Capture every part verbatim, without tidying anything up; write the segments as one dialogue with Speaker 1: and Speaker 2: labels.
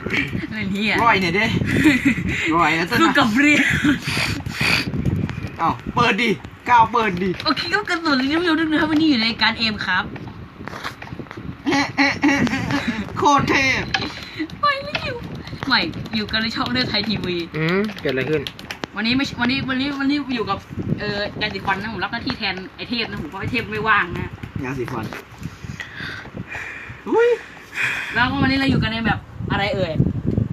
Speaker 1: อะไรเนี่ย
Speaker 2: ร่อยเนี่ยดิร่อยนะต้น
Speaker 1: คือกับเรียน
Speaker 2: เอ้าเปิดดิก้าวเปิดดิ
Speaker 1: โอเคก็กระสุนที่ไม่รู้นึกนะครับวันนี้อยู่ในการเอมครับ
Speaker 2: โคตรเทพ
Speaker 1: ไม่ไม่อยู่ใหม่อยู่กันในช่องเลือดไทยทีวี
Speaker 3: อืมเกิดอะไรขึ้น
Speaker 1: วันนี้ไม่วันนี้วันนี้วันนี้อยู่กับเอ่อยาสีฟันนะผมรับหน้าที่แทนไอเทพนะผมเพราะไอเทพไม่ว่างนะ
Speaker 2: ยาสีฟันอุ้ย
Speaker 1: แล้วก็วันนี้เราอยู่กันในแบบอะไรเอ่ย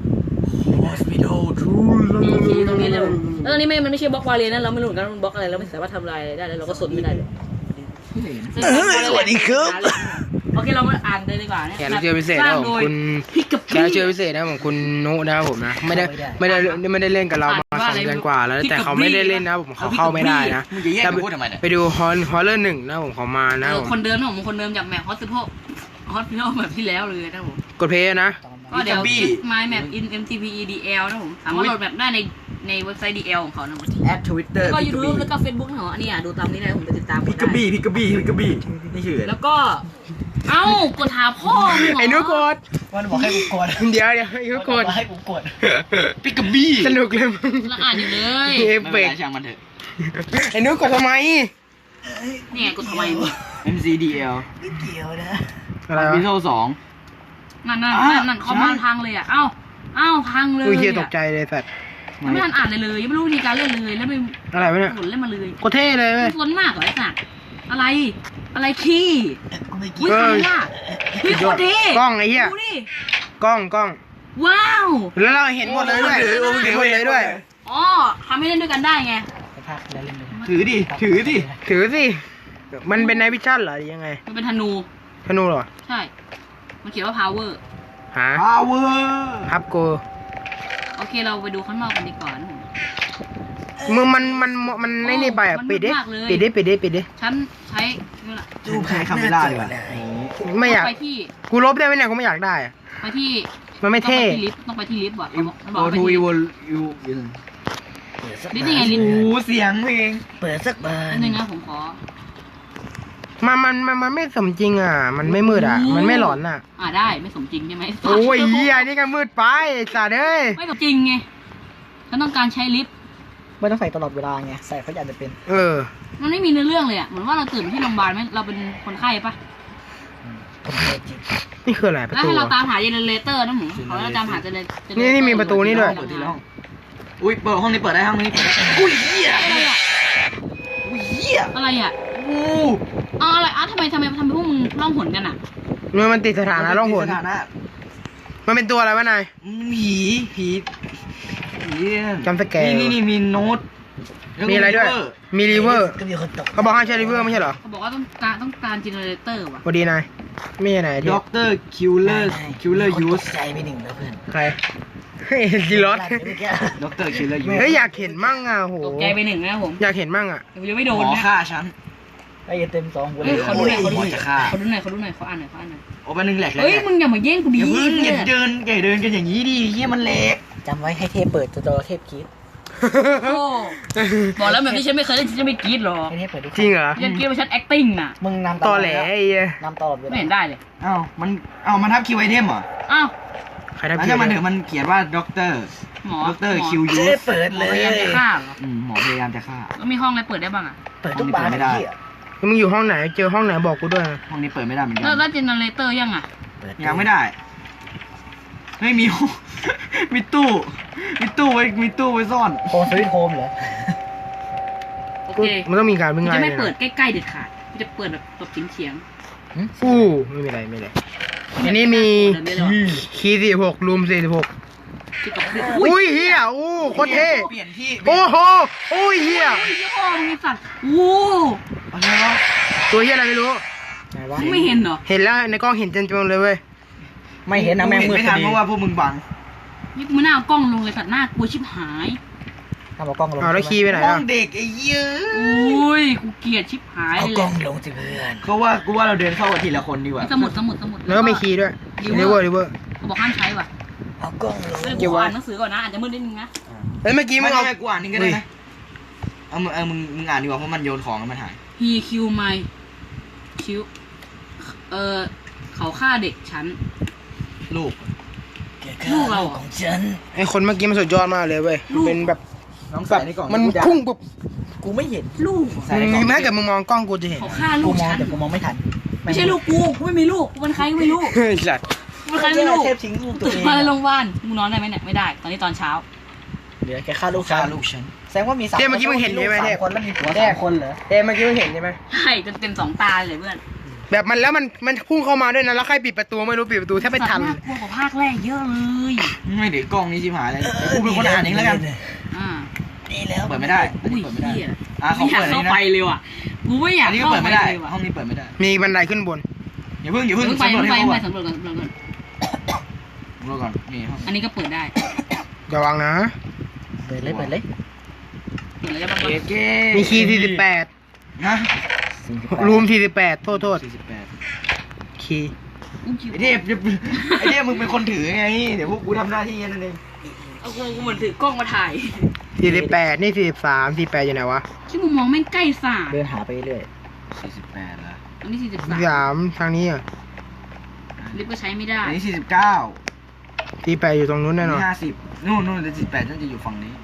Speaker 2: Hospital
Speaker 1: มีคีย์ตรงนี้เลยแล้วตอนนี้ไม่มันไม่ใช่บล็อกวาเลนนะเราไม่รู้เหมือนกันมันบล็อกอะไรเราไม่สามารถทำลายอะไรได้แล้วเราก็สนไม่ได้เลย
Speaker 3: สวัสดีครับ
Speaker 1: โอเคเรามาอ่านเลยดีกว่าเนี่ย
Speaker 3: แขกรับเชิญพิเศษนะผมคุณ
Speaker 1: พี่กับ
Speaker 3: แขกรับเชิญพิเศษนะผมคุณนุนะครับผมนะไม่ได้ไม่ได้ไม่ได้เล่นกับเรามาสองเดือนกว่าแล้วแต่เขาไม่ได้เล่นนะผมเขาเข้าไม่ได้นะ
Speaker 2: มึงจะแยกกันพูดทำไมเนี่ย
Speaker 3: ไปดูฮอนฮอลเลอร์หนึ่งนะผมเขามานะผม
Speaker 1: คนเดิมนะผมคนเดิมจากแมปฮอสซิโพฮอสซิโพแบบที่แล้วเลยนะผม
Speaker 3: กดเพย์นะ
Speaker 1: ก็เดี๋ยว My Map in เอ็ม ที พี ดี แอล นะผมสามารถโหลดแบบได้ในในเว็บไซต์ ดี แอล ของเขานะผม
Speaker 2: แอดทวิตเตอร์
Speaker 1: แล้วก็ YouTube แล้วก็ Facebook ของอันนี้อ่ะดูตามนี้ได้ผมไปติดตาม
Speaker 2: พิกกบี้พิกกบี้พิกกบี้นี่ชื่อ
Speaker 1: แล้วก็เอ้ากดหาพ่อมึงเหรอ
Speaker 3: ไอ้นุกด
Speaker 4: มันบอกให้กูกด
Speaker 3: เดี๋ยวเดี๋ยวไอ้นุกด
Speaker 4: ให้กูกด
Speaker 2: พิกกบี้
Speaker 3: สนุกเลยมึง
Speaker 1: แล้วอ่านอยู่เลย
Speaker 3: เอฟ
Speaker 2: ไม่
Speaker 3: เฟ
Speaker 2: เป็น
Speaker 3: ก
Speaker 2: ไรช่างมันเถอะ
Speaker 3: ไอ้นุกดทำไม
Speaker 1: นี่ไงกดทำไมมึง
Speaker 2: เอ็ม ซี ดี แอล
Speaker 4: ไม่เกี่ยวนะ
Speaker 3: อะไร
Speaker 2: พิ
Speaker 3: วะ
Speaker 2: โซสอง
Speaker 1: นั่นนั่น
Speaker 2: อ่ะ
Speaker 1: นั่นนั่นคอมมานด์พังเลยอ่ะเอ้าเอ้าพังเลย
Speaker 3: อุ้ยเฮียตกใจเลยสัตว์
Speaker 1: ยังไม่ทันอ่านเลยเลยยังไม่รู้วิธีการเล่นเลยแล้วไม่
Speaker 3: อะไรวะเนี่ย
Speaker 1: ผลเล่นมาเลย
Speaker 3: โคตรเท่เลยเว้ย
Speaker 1: สนมากเหรอไอ้สัตว์อะไรอะไรขี้
Speaker 4: กูไม่
Speaker 1: อุ้
Speaker 4: เกี่
Speaker 1: ย
Speaker 4: ยว
Speaker 1: ทำไมล่ะพี่โคตรดี
Speaker 3: กล้องไอ้เหี้ย
Speaker 1: ดูดิ
Speaker 3: กล้องกล้อง
Speaker 1: ว้าว
Speaker 3: แล้วเราเห็นหมดเลยด้วยเห็นหมดเลยด้วย
Speaker 1: อ๋อทำให้เล่นด้วยกันได้ไง
Speaker 4: ไปพากแล้วเล่นเลย
Speaker 2: ถือดิถือดิ
Speaker 3: ถือสิมันเป็นไนท์วิชั่นเหรอหรือยังไง
Speaker 1: มันเป็นธนู
Speaker 3: ธนูเหรอ
Speaker 1: ใช่ มันเขียนว่า power
Speaker 3: หา
Speaker 2: พาวเวอร์
Speaker 3: ฮับโก
Speaker 1: โอเคเราไปดูข้างนอกกันดีกว่านะผม
Speaker 3: มึงมันมันมันไม่นี่ไปอ่ะ
Speaker 1: มัน
Speaker 3: ปิดดิ
Speaker 1: มากเลย
Speaker 3: ปิดดิปิดดิปิดดิ
Speaker 1: ฉันใช้นี่แหละ
Speaker 2: ดูใครคำไม่ได้เลยว่ะ
Speaker 3: ไม่อยาก
Speaker 1: ไปที่
Speaker 3: กูลบได้ไหมเนี่ยกูไม่อยากได้อะ
Speaker 1: ไปที่
Speaker 3: มันไม่เท่
Speaker 1: ต้องไปที่ลิฟต์ต้องไปที่ลิฟต์ว่ะเขาบอกมันบอก
Speaker 2: โอ
Speaker 1: ว่าไป
Speaker 2: ทู
Speaker 1: ที่
Speaker 2: อี
Speaker 1: ลิฟ
Speaker 2: ว
Speaker 1: ต์
Speaker 2: ยูยู
Speaker 1: ลิฟต์ยังไงลิฟต์
Speaker 2: โอ้เสียงเพลง
Speaker 4: เปิดสักบา
Speaker 1: อั
Speaker 4: น
Speaker 1: นนึงนะผมขอ
Speaker 3: มันมันมันมันไม่สมจริงอ่ะ มันไม่มืดอ่ะ มันไม่หลอนอ่ะ
Speaker 1: อ่าได้ไม่สมจริงใช่ไหม
Speaker 3: โอ้ยเฮียนี่ก็มืดไปไอ้สัตว์เอ้ย
Speaker 1: ไม่สมจริงไงฉันต้องการใช้ลิฟต์
Speaker 4: ไม่ต้องใส่ตลอดเวลาไงใส่เขาอยากจะเป็น
Speaker 3: เออ
Speaker 1: มันไม่มีเนื้อเรื่องเลยอ่ะเหมือนว่าเราตื่นที่โรงพยาบาลไหมเราเป็นคนไข้ปะ
Speaker 4: คนเดียวจริง
Speaker 3: นี่คืออะไรประ
Speaker 1: แล้ว
Speaker 3: ตู
Speaker 1: ให้เรา
Speaker 3: อะ
Speaker 1: ตามหาเจเนเรเตอร์นะหมูเขาจะตามหาเจเนเรเตอร์
Speaker 3: นี่นี่มีประตูนี่ด้วย
Speaker 2: เปิดที่ห้องอุ้ยเปิดห้องนี้เปิดได้ห้องนี้เปิดได้อุ้ยเหี้ย
Speaker 1: อะไรอ่ะ
Speaker 2: อุ้ยเหี้ย
Speaker 1: อะไรอ่ะ
Speaker 2: อู้
Speaker 1: อ๋ออะไรอ่ะทำไมทำไมทำไมพวกมึงล่องหนกันอ่ะ
Speaker 3: มันมันติดสถานะล่องหน
Speaker 2: สถานะ
Speaker 3: มันเป็นตัวอะไรวะนาย
Speaker 2: ผีผีผี
Speaker 3: จำสแกร์
Speaker 2: นี่นี่นี่มีโน้ต
Speaker 3: มีอะไรด้วย มีรีเวอร์
Speaker 4: ก็มีคนตก
Speaker 3: เขาบอกให้ใช้รีเวอร์ไม่ใช่เหรอ
Speaker 1: เขาบอกว่าต้องการต้องการเจเนเรเตอร์ว่ะ
Speaker 3: พอดีนาย ไม่ใช่นายที่
Speaker 2: ด็อกเตอร์คิวเลอร์คิวเลอร์ยูส
Speaker 4: ใจไปหนึ่งแล้วเพื่อน
Speaker 3: ใคร เฮ้ยจิรอส
Speaker 4: เมื่อกี้
Speaker 2: ด็อกเตอร์คิวเลอร์ยูส
Speaker 3: เฮ้ยอยากเห็นมั่งอ่ะโห
Speaker 1: ตกใจไปหนึ่งนะครับผม
Speaker 3: อยากเห็นมั่งอ่ะ
Speaker 1: ยังไม่โด
Speaker 2: ห
Speaker 1: น
Speaker 2: มอ
Speaker 1: นะ
Speaker 2: ฆ่าฉัน
Speaker 4: ไอ้เต็มสองกูเล
Speaker 1: เฮ้ย
Speaker 4: ย
Speaker 1: ขอดูหน่อยขอดูหน่อย
Speaker 2: จะฆ่า
Speaker 1: ขอดูหน่อยขอดูหน่อยขออ่านหน่อยขออ่านหน่อย
Speaker 2: โอ้มาหนึ่งแหลกแล้ว
Speaker 1: เฮ้ยมึงอย่ามาแย่งกูดิ
Speaker 2: อย่าเพิ่งอย่า
Speaker 1: เ
Speaker 2: เดินอย่าเดินกันอย่างนี้ดิเฮียมันแหลก
Speaker 4: จำไว้ให้เทพเปิดตัวเทพกรีด
Speaker 1: โอ้บอกแล้วแบบที่ฉันไม่เคยเล่นฉันจะไม่กรี๊ดหรอก
Speaker 4: ให้เทพเปิดดิ
Speaker 3: จริงเหรอ
Speaker 1: ฉันกรี๊ดว่าฉัน acting น่ะ
Speaker 4: มึงนำ
Speaker 3: ตอแหลไอ้เหี้ย
Speaker 4: นำตลอดเวลา
Speaker 1: ไม่เห็นได้เลย
Speaker 2: อ้าวมันอ้าวมันทับคิวไอเทมเหรอ
Speaker 1: อ้าว
Speaker 3: ใครทำ
Speaker 2: แล้ว
Speaker 3: ผิด
Speaker 2: ถ้ามันถึงมันเขียนว่าด็อกเตอร์
Speaker 1: หมอ
Speaker 2: ด็อกเตอร์
Speaker 1: หม
Speaker 2: คิว
Speaker 4: เท
Speaker 2: ยู
Speaker 4: พ
Speaker 2: ส
Speaker 4: เปิด
Speaker 1: หม
Speaker 4: เล
Speaker 1: อย พยายามจะฆ่าเหรอ
Speaker 2: อืมหมอพยายามจะฆ่า
Speaker 1: แล้วมีห้องอะไรเปิดได้บ้างอ่ะ
Speaker 4: เปิดทุกบาน
Speaker 2: ไม่ได้
Speaker 4: ไอ้เหี้ย
Speaker 3: มึงอยู่ห้องไหน เจอห้องไหนบอกกูด้วยนะ
Speaker 2: ห้องนี้เปิดไม่ได้เหมือนกั
Speaker 1: แล้ว
Speaker 2: น
Speaker 1: แล้วเจเนเรเตอร์ยังอ่ะ
Speaker 4: เปิด
Speaker 2: ยังไม่ได้ไม่มี มีตู้มีตู้ไว้มีตู้ไว้ซ่อน
Speaker 4: โฮมสวิตโฮมเหรอ
Speaker 1: โอเค
Speaker 3: มันต้องมีการ
Speaker 1: กู
Speaker 3: วิ่งไล่
Speaker 1: จะไม่
Speaker 3: นะ
Speaker 1: เปิดใกล้ๆเด็ดขาดกูจะเปิดแบบแบบเฉียง
Speaker 3: อู้ไม่มีอะไรไม่มีอะไร
Speaker 1: ๆ
Speaker 3: อันนี้มี
Speaker 1: เดินได้เลยว่ะ
Speaker 3: คีย์สี่หกรูมสี่สิบหก
Speaker 1: ที่กับอุ้ย
Speaker 3: อุ้ยเฮียอู้โคตรเท่
Speaker 2: เปลี่ยนที่
Speaker 3: โอ้โหอุ้ยเฮีย
Speaker 1: เฮ้ยยี่ห้อมึงไอ้สัตว์โว้
Speaker 2: อะไรวะ
Speaker 3: ตัวเฮียอะไรไม่รู้
Speaker 4: ไหนวะ
Speaker 1: มึงไม่เห็นเหรอ
Speaker 3: เห็นแล้วในกล้องเห็นจนๆเลยเว้ย
Speaker 4: ไม่เห็นนะแม่งมืด
Speaker 2: ไม่
Speaker 4: พ
Speaker 2: ทั
Speaker 4: อน ดี
Speaker 2: เพราะว่าพวกมึงบัง
Speaker 1: นี่กูไม่น่าเอากล้องลงเลยสัตว์หน้ากลัวชิบหาย
Speaker 4: ทำเอากล้องลง
Speaker 3: เอาแล้วคีย์ไปไหน
Speaker 2: ห้อ
Speaker 3: อ่ะ
Speaker 2: งเด็กไอ้เหี้ย
Speaker 1: อุ้ยกูเกลียดชิบหาย
Speaker 4: เอา
Speaker 1: เล
Speaker 4: กล้อย งลงสิเพื่อน
Speaker 2: เขาว่ากูว่าเราเดินเข้ากันทีละคนดีกว่า
Speaker 1: สมุดสมุดสมุด
Speaker 3: แล้วก็มีคีย์ด้วยรีเวอร์รีเวอร์
Speaker 1: เขาบอกห้ามใช้ว่ะ
Speaker 4: เอากล้องลง
Speaker 1: เดี๋ยว
Speaker 3: เก็บ
Speaker 1: กู
Speaker 3: ไว้
Speaker 1: อ่านหนังสือก่อนนะอาจจะมืดนิดนึงนะ
Speaker 3: แล้วเมื่อกี้
Speaker 2: ไม่
Speaker 3: มึง
Speaker 2: เอา
Speaker 3: เอา
Speaker 2: ไปกูอ่านนี่ก็ได้นะเอามึงเออมึงมึงอ่านดีกว่าเพราะมันโยนของแล้วมันหาย
Speaker 1: he kill my kill เออเขาฆ่าเด็กฉัน
Speaker 2: ลูก
Speaker 4: เก
Speaker 1: ลูกเราเหรอ
Speaker 4: ของฉัน
Speaker 3: ไอคนเมื่อกี้มันสุดยอดมากเลยเว้ยมันเป็นแบบ
Speaker 4: น้อง
Speaker 3: แบ
Speaker 4: ใส่
Speaker 3: บ
Speaker 4: ในกล่อง
Speaker 3: มัน
Speaker 4: กูจะ
Speaker 3: พุ่งปุ๊บ
Speaker 4: กูไม่เห็น
Speaker 1: ลูก
Speaker 4: ใส่ในกล่อง
Speaker 3: แม้เกิดมึงมองกล้องกูจะเห็น
Speaker 1: เขาฆ่าลู
Speaker 4: กู
Speaker 1: ก
Speaker 4: มอง
Speaker 1: ฉัน
Speaker 4: แต่กูมองไม่ทัน
Speaker 1: ไม่ใช่ลูกกูกูไม่มีลูกกูเป็นใครก็ไม่รู้
Speaker 3: เฮ้ยสัตว์
Speaker 1: กูเป็นใครไม่รู้
Speaker 4: เทพทิ้งลูกตัว
Speaker 1: ตื่น
Speaker 4: เอง
Speaker 1: มาโรงพยาบาลมึงนอนได้ไหมเนี่ยไม่ได้ ตอนนี้ตอนเช้า
Speaker 4: เดี๋ยวแกฆ่าลูกฉัน
Speaker 2: ฆ่าลูกฉัน
Speaker 4: แสดงว่ามีสาม
Speaker 3: เทพเมื่อกี้มึงเห็นใช่ไหมเทพ
Speaker 4: คนแล้วมีผัวสามคนเหรอ
Speaker 3: เทพเมื่อกี้มึงเห็นใช่ไหม
Speaker 1: ใช่จนเต็มสองตาเลยเพื่อน
Speaker 3: แบบมันแล้วมันมันพุ่งเข้ามาด้วยนะแล้วใครปิดประตูไม่รู้ปิดประตูแทบไม่ทัน
Speaker 1: น่ากลัวกว่าภาคแรกเยอะเลย
Speaker 2: ไม่เดี๋ยวกล้องนี้ชิบหายเลยเดี๋ยวกูเป็นคนอ่านเองแล้วกัน
Speaker 1: อ่า
Speaker 4: นี่แล้ว
Speaker 2: เปิดไม่ได้อัน
Speaker 1: อุ้ย
Speaker 2: นี้เปิดไม่ได้
Speaker 1: เหี้ย
Speaker 2: อ่ะเขา
Speaker 1: ไม่อยาก
Speaker 2: เปิดอัน
Speaker 1: เข้า
Speaker 2: นี้
Speaker 1: ไป
Speaker 2: นะ
Speaker 1: เลยว่ะกูไม่อยาก
Speaker 2: อันนี้ก็
Speaker 1: เข้า
Speaker 2: เปิด
Speaker 1: ไป
Speaker 2: ไม่ได้
Speaker 1: เลยว่ะ
Speaker 2: ห้องนี้เปิดไม่ได้
Speaker 3: มีบันไดขึ้นบน
Speaker 2: อย่าเพิ่งอย่าเพิ่ง
Speaker 1: เพิ่งไป
Speaker 2: สำรวจ
Speaker 1: เพิ่ง
Speaker 2: ให้
Speaker 1: ไป
Speaker 2: เขา
Speaker 1: เพิ่ง
Speaker 2: ก่อน
Speaker 1: ไปสำรวจก่อนสำรวจก่อน
Speaker 2: สำรวจก่อนนี่ห้อง
Speaker 1: อันนี้ก็เปิดได้
Speaker 3: ระวังนะ
Speaker 4: เปิดเลยเปิดเลย
Speaker 1: เปิดแล้วจะ
Speaker 2: เอ
Speaker 1: มา
Speaker 2: เก้
Speaker 3: มีคีย์สี่สิบแปด
Speaker 2: ฮะ
Speaker 3: รูมสี่สิบแปดโทษโทษ
Speaker 2: สี่สิบแปด
Speaker 3: คีย์
Speaker 1: อุ้ยคิว
Speaker 2: ไอเทพไอเทพมึงเป็นคนถือไงเดี๋ยวพวกกูทำหน้าที่แค่นั้นเอง
Speaker 1: เอากูกูเหมือนถือกล้องมาถ่าย
Speaker 3: สี่สิบแปดนี่สี่สิบสามสี่แปดอยู่ไหนวะ
Speaker 1: ที่มุมมองแม่งใกล้สา
Speaker 4: เดินหาไปเรื่อย
Speaker 2: สี่สิบแปดละ
Speaker 1: อันนี้สี่สิบ
Speaker 3: สี่
Speaker 1: สาม
Speaker 3: สามทางนี้อ่ะ
Speaker 1: ลิฟต์ก็ใช้ไม่ได้
Speaker 2: อันนี้สี่สิบเก้า
Speaker 3: สี่แปดอยู่ตรงนู้น
Speaker 2: อั
Speaker 3: แน่
Speaker 2: น
Speaker 3: นอน
Speaker 2: นี้ห้าสิบนู่นนู่นสี่สิบแปดน่าจะอยู่ฝั่งนี้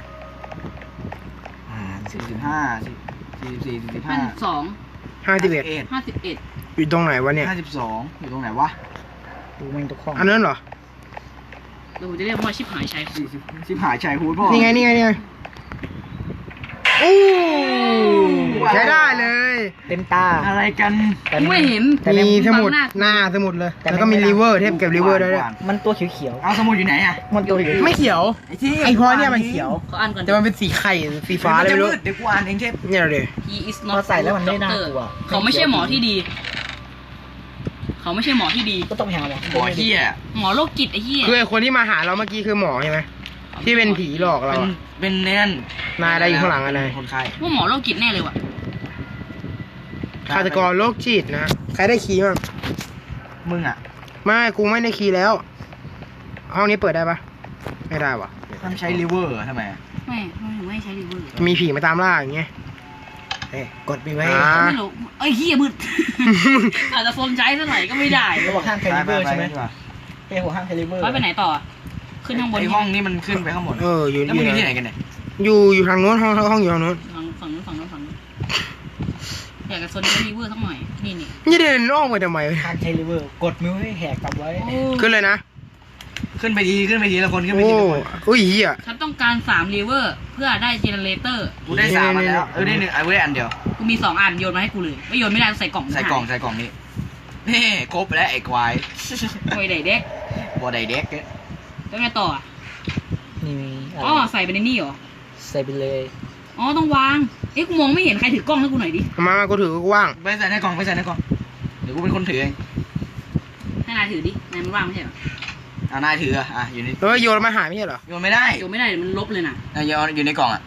Speaker 4: อ่า
Speaker 2: สี่สิบห้าสี่สิบสี่สี่สิบ
Speaker 1: ห้า
Speaker 2: ห้า
Speaker 1: สิบสอง
Speaker 3: ห้าสิบเอ็ด
Speaker 1: ห้าสิบเอ็ด
Speaker 3: อยู่ตรงไหนวะเนี่ย
Speaker 2: ห้าสิบสองอยู่ตรงไหนวะ
Speaker 4: กูแม่งทุกห้อง
Speaker 3: อันนั้นเหรอ
Speaker 1: เดี๋ยวผมจะเรียกว่าชิบหายใช้
Speaker 2: สี่สิบสิบหายชายฮูดพ่อ
Speaker 3: นี่ไงนี่ไงนี่ไงโอ้ใช้ได้เลย
Speaker 4: เต็มตา
Speaker 2: อะไรกัน
Speaker 4: แต่
Speaker 1: กูไม่เห็น
Speaker 4: แต่
Speaker 3: มี
Speaker 4: ใน
Speaker 3: สมุด
Speaker 1: บังหน้า
Speaker 3: หน้าสมุดเลย
Speaker 4: แต่
Speaker 3: แล้วก็มี
Speaker 4: ไม่ได้
Speaker 3: รีเวอร์เทปเก็บรีเวอร์ได้ด้วย
Speaker 4: มันตัวเขียว
Speaker 2: เอาสมุดอยู่ไหนอ่ะ
Speaker 4: ๆมันตัวเขียว
Speaker 3: ไม่เขียว
Speaker 2: ไอ้ที่
Speaker 3: ไอพอเนี่ยมันเขียว
Speaker 1: เขาอ่านก่อน
Speaker 3: แต่มันเป็นสีไข่สีฟ้า
Speaker 2: ฟ้า
Speaker 3: เลย
Speaker 2: จะ
Speaker 3: ไม่
Speaker 2: มื
Speaker 3: รู้
Speaker 2: ดเดี๋ยวกูอ่านเองเชฟ
Speaker 3: เนี่ยเลย
Speaker 1: he is
Speaker 4: พ
Speaker 1: not
Speaker 4: อใส่แล้วมันไม่
Speaker 1: good
Speaker 4: น่า
Speaker 1: doctor
Speaker 4: กลัว
Speaker 1: เขาไม่ใช่หมอที่ดี เขาไม่ใช่หมอที่ดี
Speaker 4: ก็ต้องไปหาหมอ
Speaker 2: บ่อเฮีย
Speaker 1: หมอโรคจิตไอ้เหี้ย
Speaker 3: คือไอคนที่มาหาเราเมื่อกี้คือหมอใช่ไหมที่เป็นผีหลอกเรา
Speaker 2: เป็น
Speaker 3: อะ
Speaker 2: เป็นแน่น
Speaker 3: นายอะไรอยู่ข้างหลังอะนาย
Speaker 2: คนไข้
Speaker 1: ว่าหมอโรคจิตแน่เลยว่ะ
Speaker 3: ฆาตกรโรคจิตนะ ใครได้คีย์บ้าง
Speaker 2: มึงอ่ะ
Speaker 3: ไม่กูไม่ได้คีย์แล้ว ห้องนี้เปิดได้ปะไม่ได้วะ
Speaker 2: ทำใช้ลิเวอร์ทำไมอะ
Speaker 1: ไม่ไม่ไม่ใช้รีเวอร์
Speaker 3: มีผีมาตามล่าอย่างเงี้ย
Speaker 4: เอ้ยกดไปไว้
Speaker 3: อ่า
Speaker 1: ไม่รู้เอ้ยเหี้ยมืด อาจจะโฟมใช้ซะหน่อยก็ไม่ได้
Speaker 4: ระหว่างห้างเทลิเวอร์ใช่ไหม
Speaker 2: ปปปดีกว่า
Speaker 4: เอ้หัวห้างเทลิเวอร์
Speaker 1: ไปไปไหนต่อ ขึ้นข้างบน
Speaker 2: ไอห้องนี้มันขึ้นไปข้างบน
Speaker 3: เอออยู่
Speaker 2: แล้ว
Speaker 3: อ
Speaker 2: มึ
Speaker 3: ยู่
Speaker 2: งอยู่ที่
Speaker 3: ไห
Speaker 2: ไห
Speaker 3: น
Speaker 2: นกันเนี่ย
Speaker 3: อยู่อยู่ทางโน้นห้องห้องอยู่ทางโน้น
Speaker 1: ฝั่งฝั่งนู้นฝั่งนู้นฝั่งนู้นอยากจะโซนรีเวอร์สักหน่อยนี่นี่
Speaker 3: นี่เดินอ้อมไปทำไม
Speaker 4: ห้างเทลิเวอร์กดมิวให้แหกกลับไว้
Speaker 1: โอ้
Speaker 3: ขึ้นเลยนะ
Speaker 2: ขึ้นไปดีขึ้นไปดีละคนขึ้นไป
Speaker 3: โอ้
Speaker 2: ดีละคน
Speaker 3: อุ้ยเหี้ย
Speaker 1: ฉันต้องการสามรีเวอร์เพื่อได้เจเนเรเตอร์
Speaker 2: กูได้สามอัน
Speaker 3: นี่
Speaker 2: แล้ว
Speaker 3: ๆๆ
Speaker 2: เออได้หนึ่งไอ้เว้ยอันเดียว
Speaker 1: กูมีสองอันโยนมาให้กูเลยไม่โยนไม่ได้ใส่กล่อง
Speaker 2: ใส่กล่องใส่กล่องนี้นี่ครบแล้วไอ้ควาย
Speaker 1: โอ้ยไดเด็ก
Speaker 2: บอไดเด็กเนี่ย
Speaker 1: แล้วไงต่ออ่ะ
Speaker 4: นี่มีะไร
Speaker 1: อ๋อใส่ไปในนี่เหรอ
Speaker 4: ใส่ไปเลย
Speaker 1: อ๋อต้องวางเอ๊ะกูมองไม่เห็นใครถือกล้องให้กูหน่อยดิ
Speaker 3: มามากูถือกูว่าง
Speaker 2: ไปใส่ในกล่องไปใส่ในกล่องเดี๋ยวกูเป็นคนถือเอง
Speaker 1: ให้นายถือดินายมันว่างไม่ใช่เหรอ
Speaker 2: อ่านายถืออ่ะอ่ะอยู่ใน
Speaker 3: เออโยนมาหาไม่ใช่เหรอ
Speaker 2: โยนไม่ได้
Speaker 1: โยนไม่ได้เดี๋ยวมันลบเลยนะ
Speaker 2: อ่ะโยนอยู่ในกล่องอ่ะ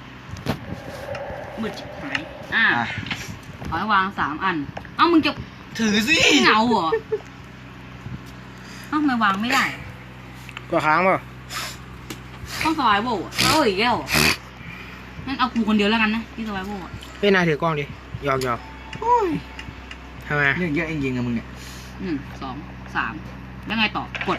Speaker 1: มืดจิบหายอ่า
Speaker 2: อ่ะ
Speaker 1: ขอให้วางสามอันเอ้ามึงจะ
Speaker 2: ถือสิ
Speaker 1: เหงาเหรอเอ้าทำไมวางไม่ได้
Speaker 3: ก็ค้างเปล่า
Speaker 1: ต้องสไวโบว์เอ้ยแก้วงั้นเอากูคนเดียวแล้วกันนะที่สไวโบว์
Speaker 3: เฮ้ยนายถือกล้องดิหยอกหยอก
Speaker 2: โอ้ย
Speaker 3: ทำไม
Speaker 2: เรื่องเยอะจริงๆอะมึงเนี่ย
Speaker 1: หนึ่งสองสามแล้วไงต่อกด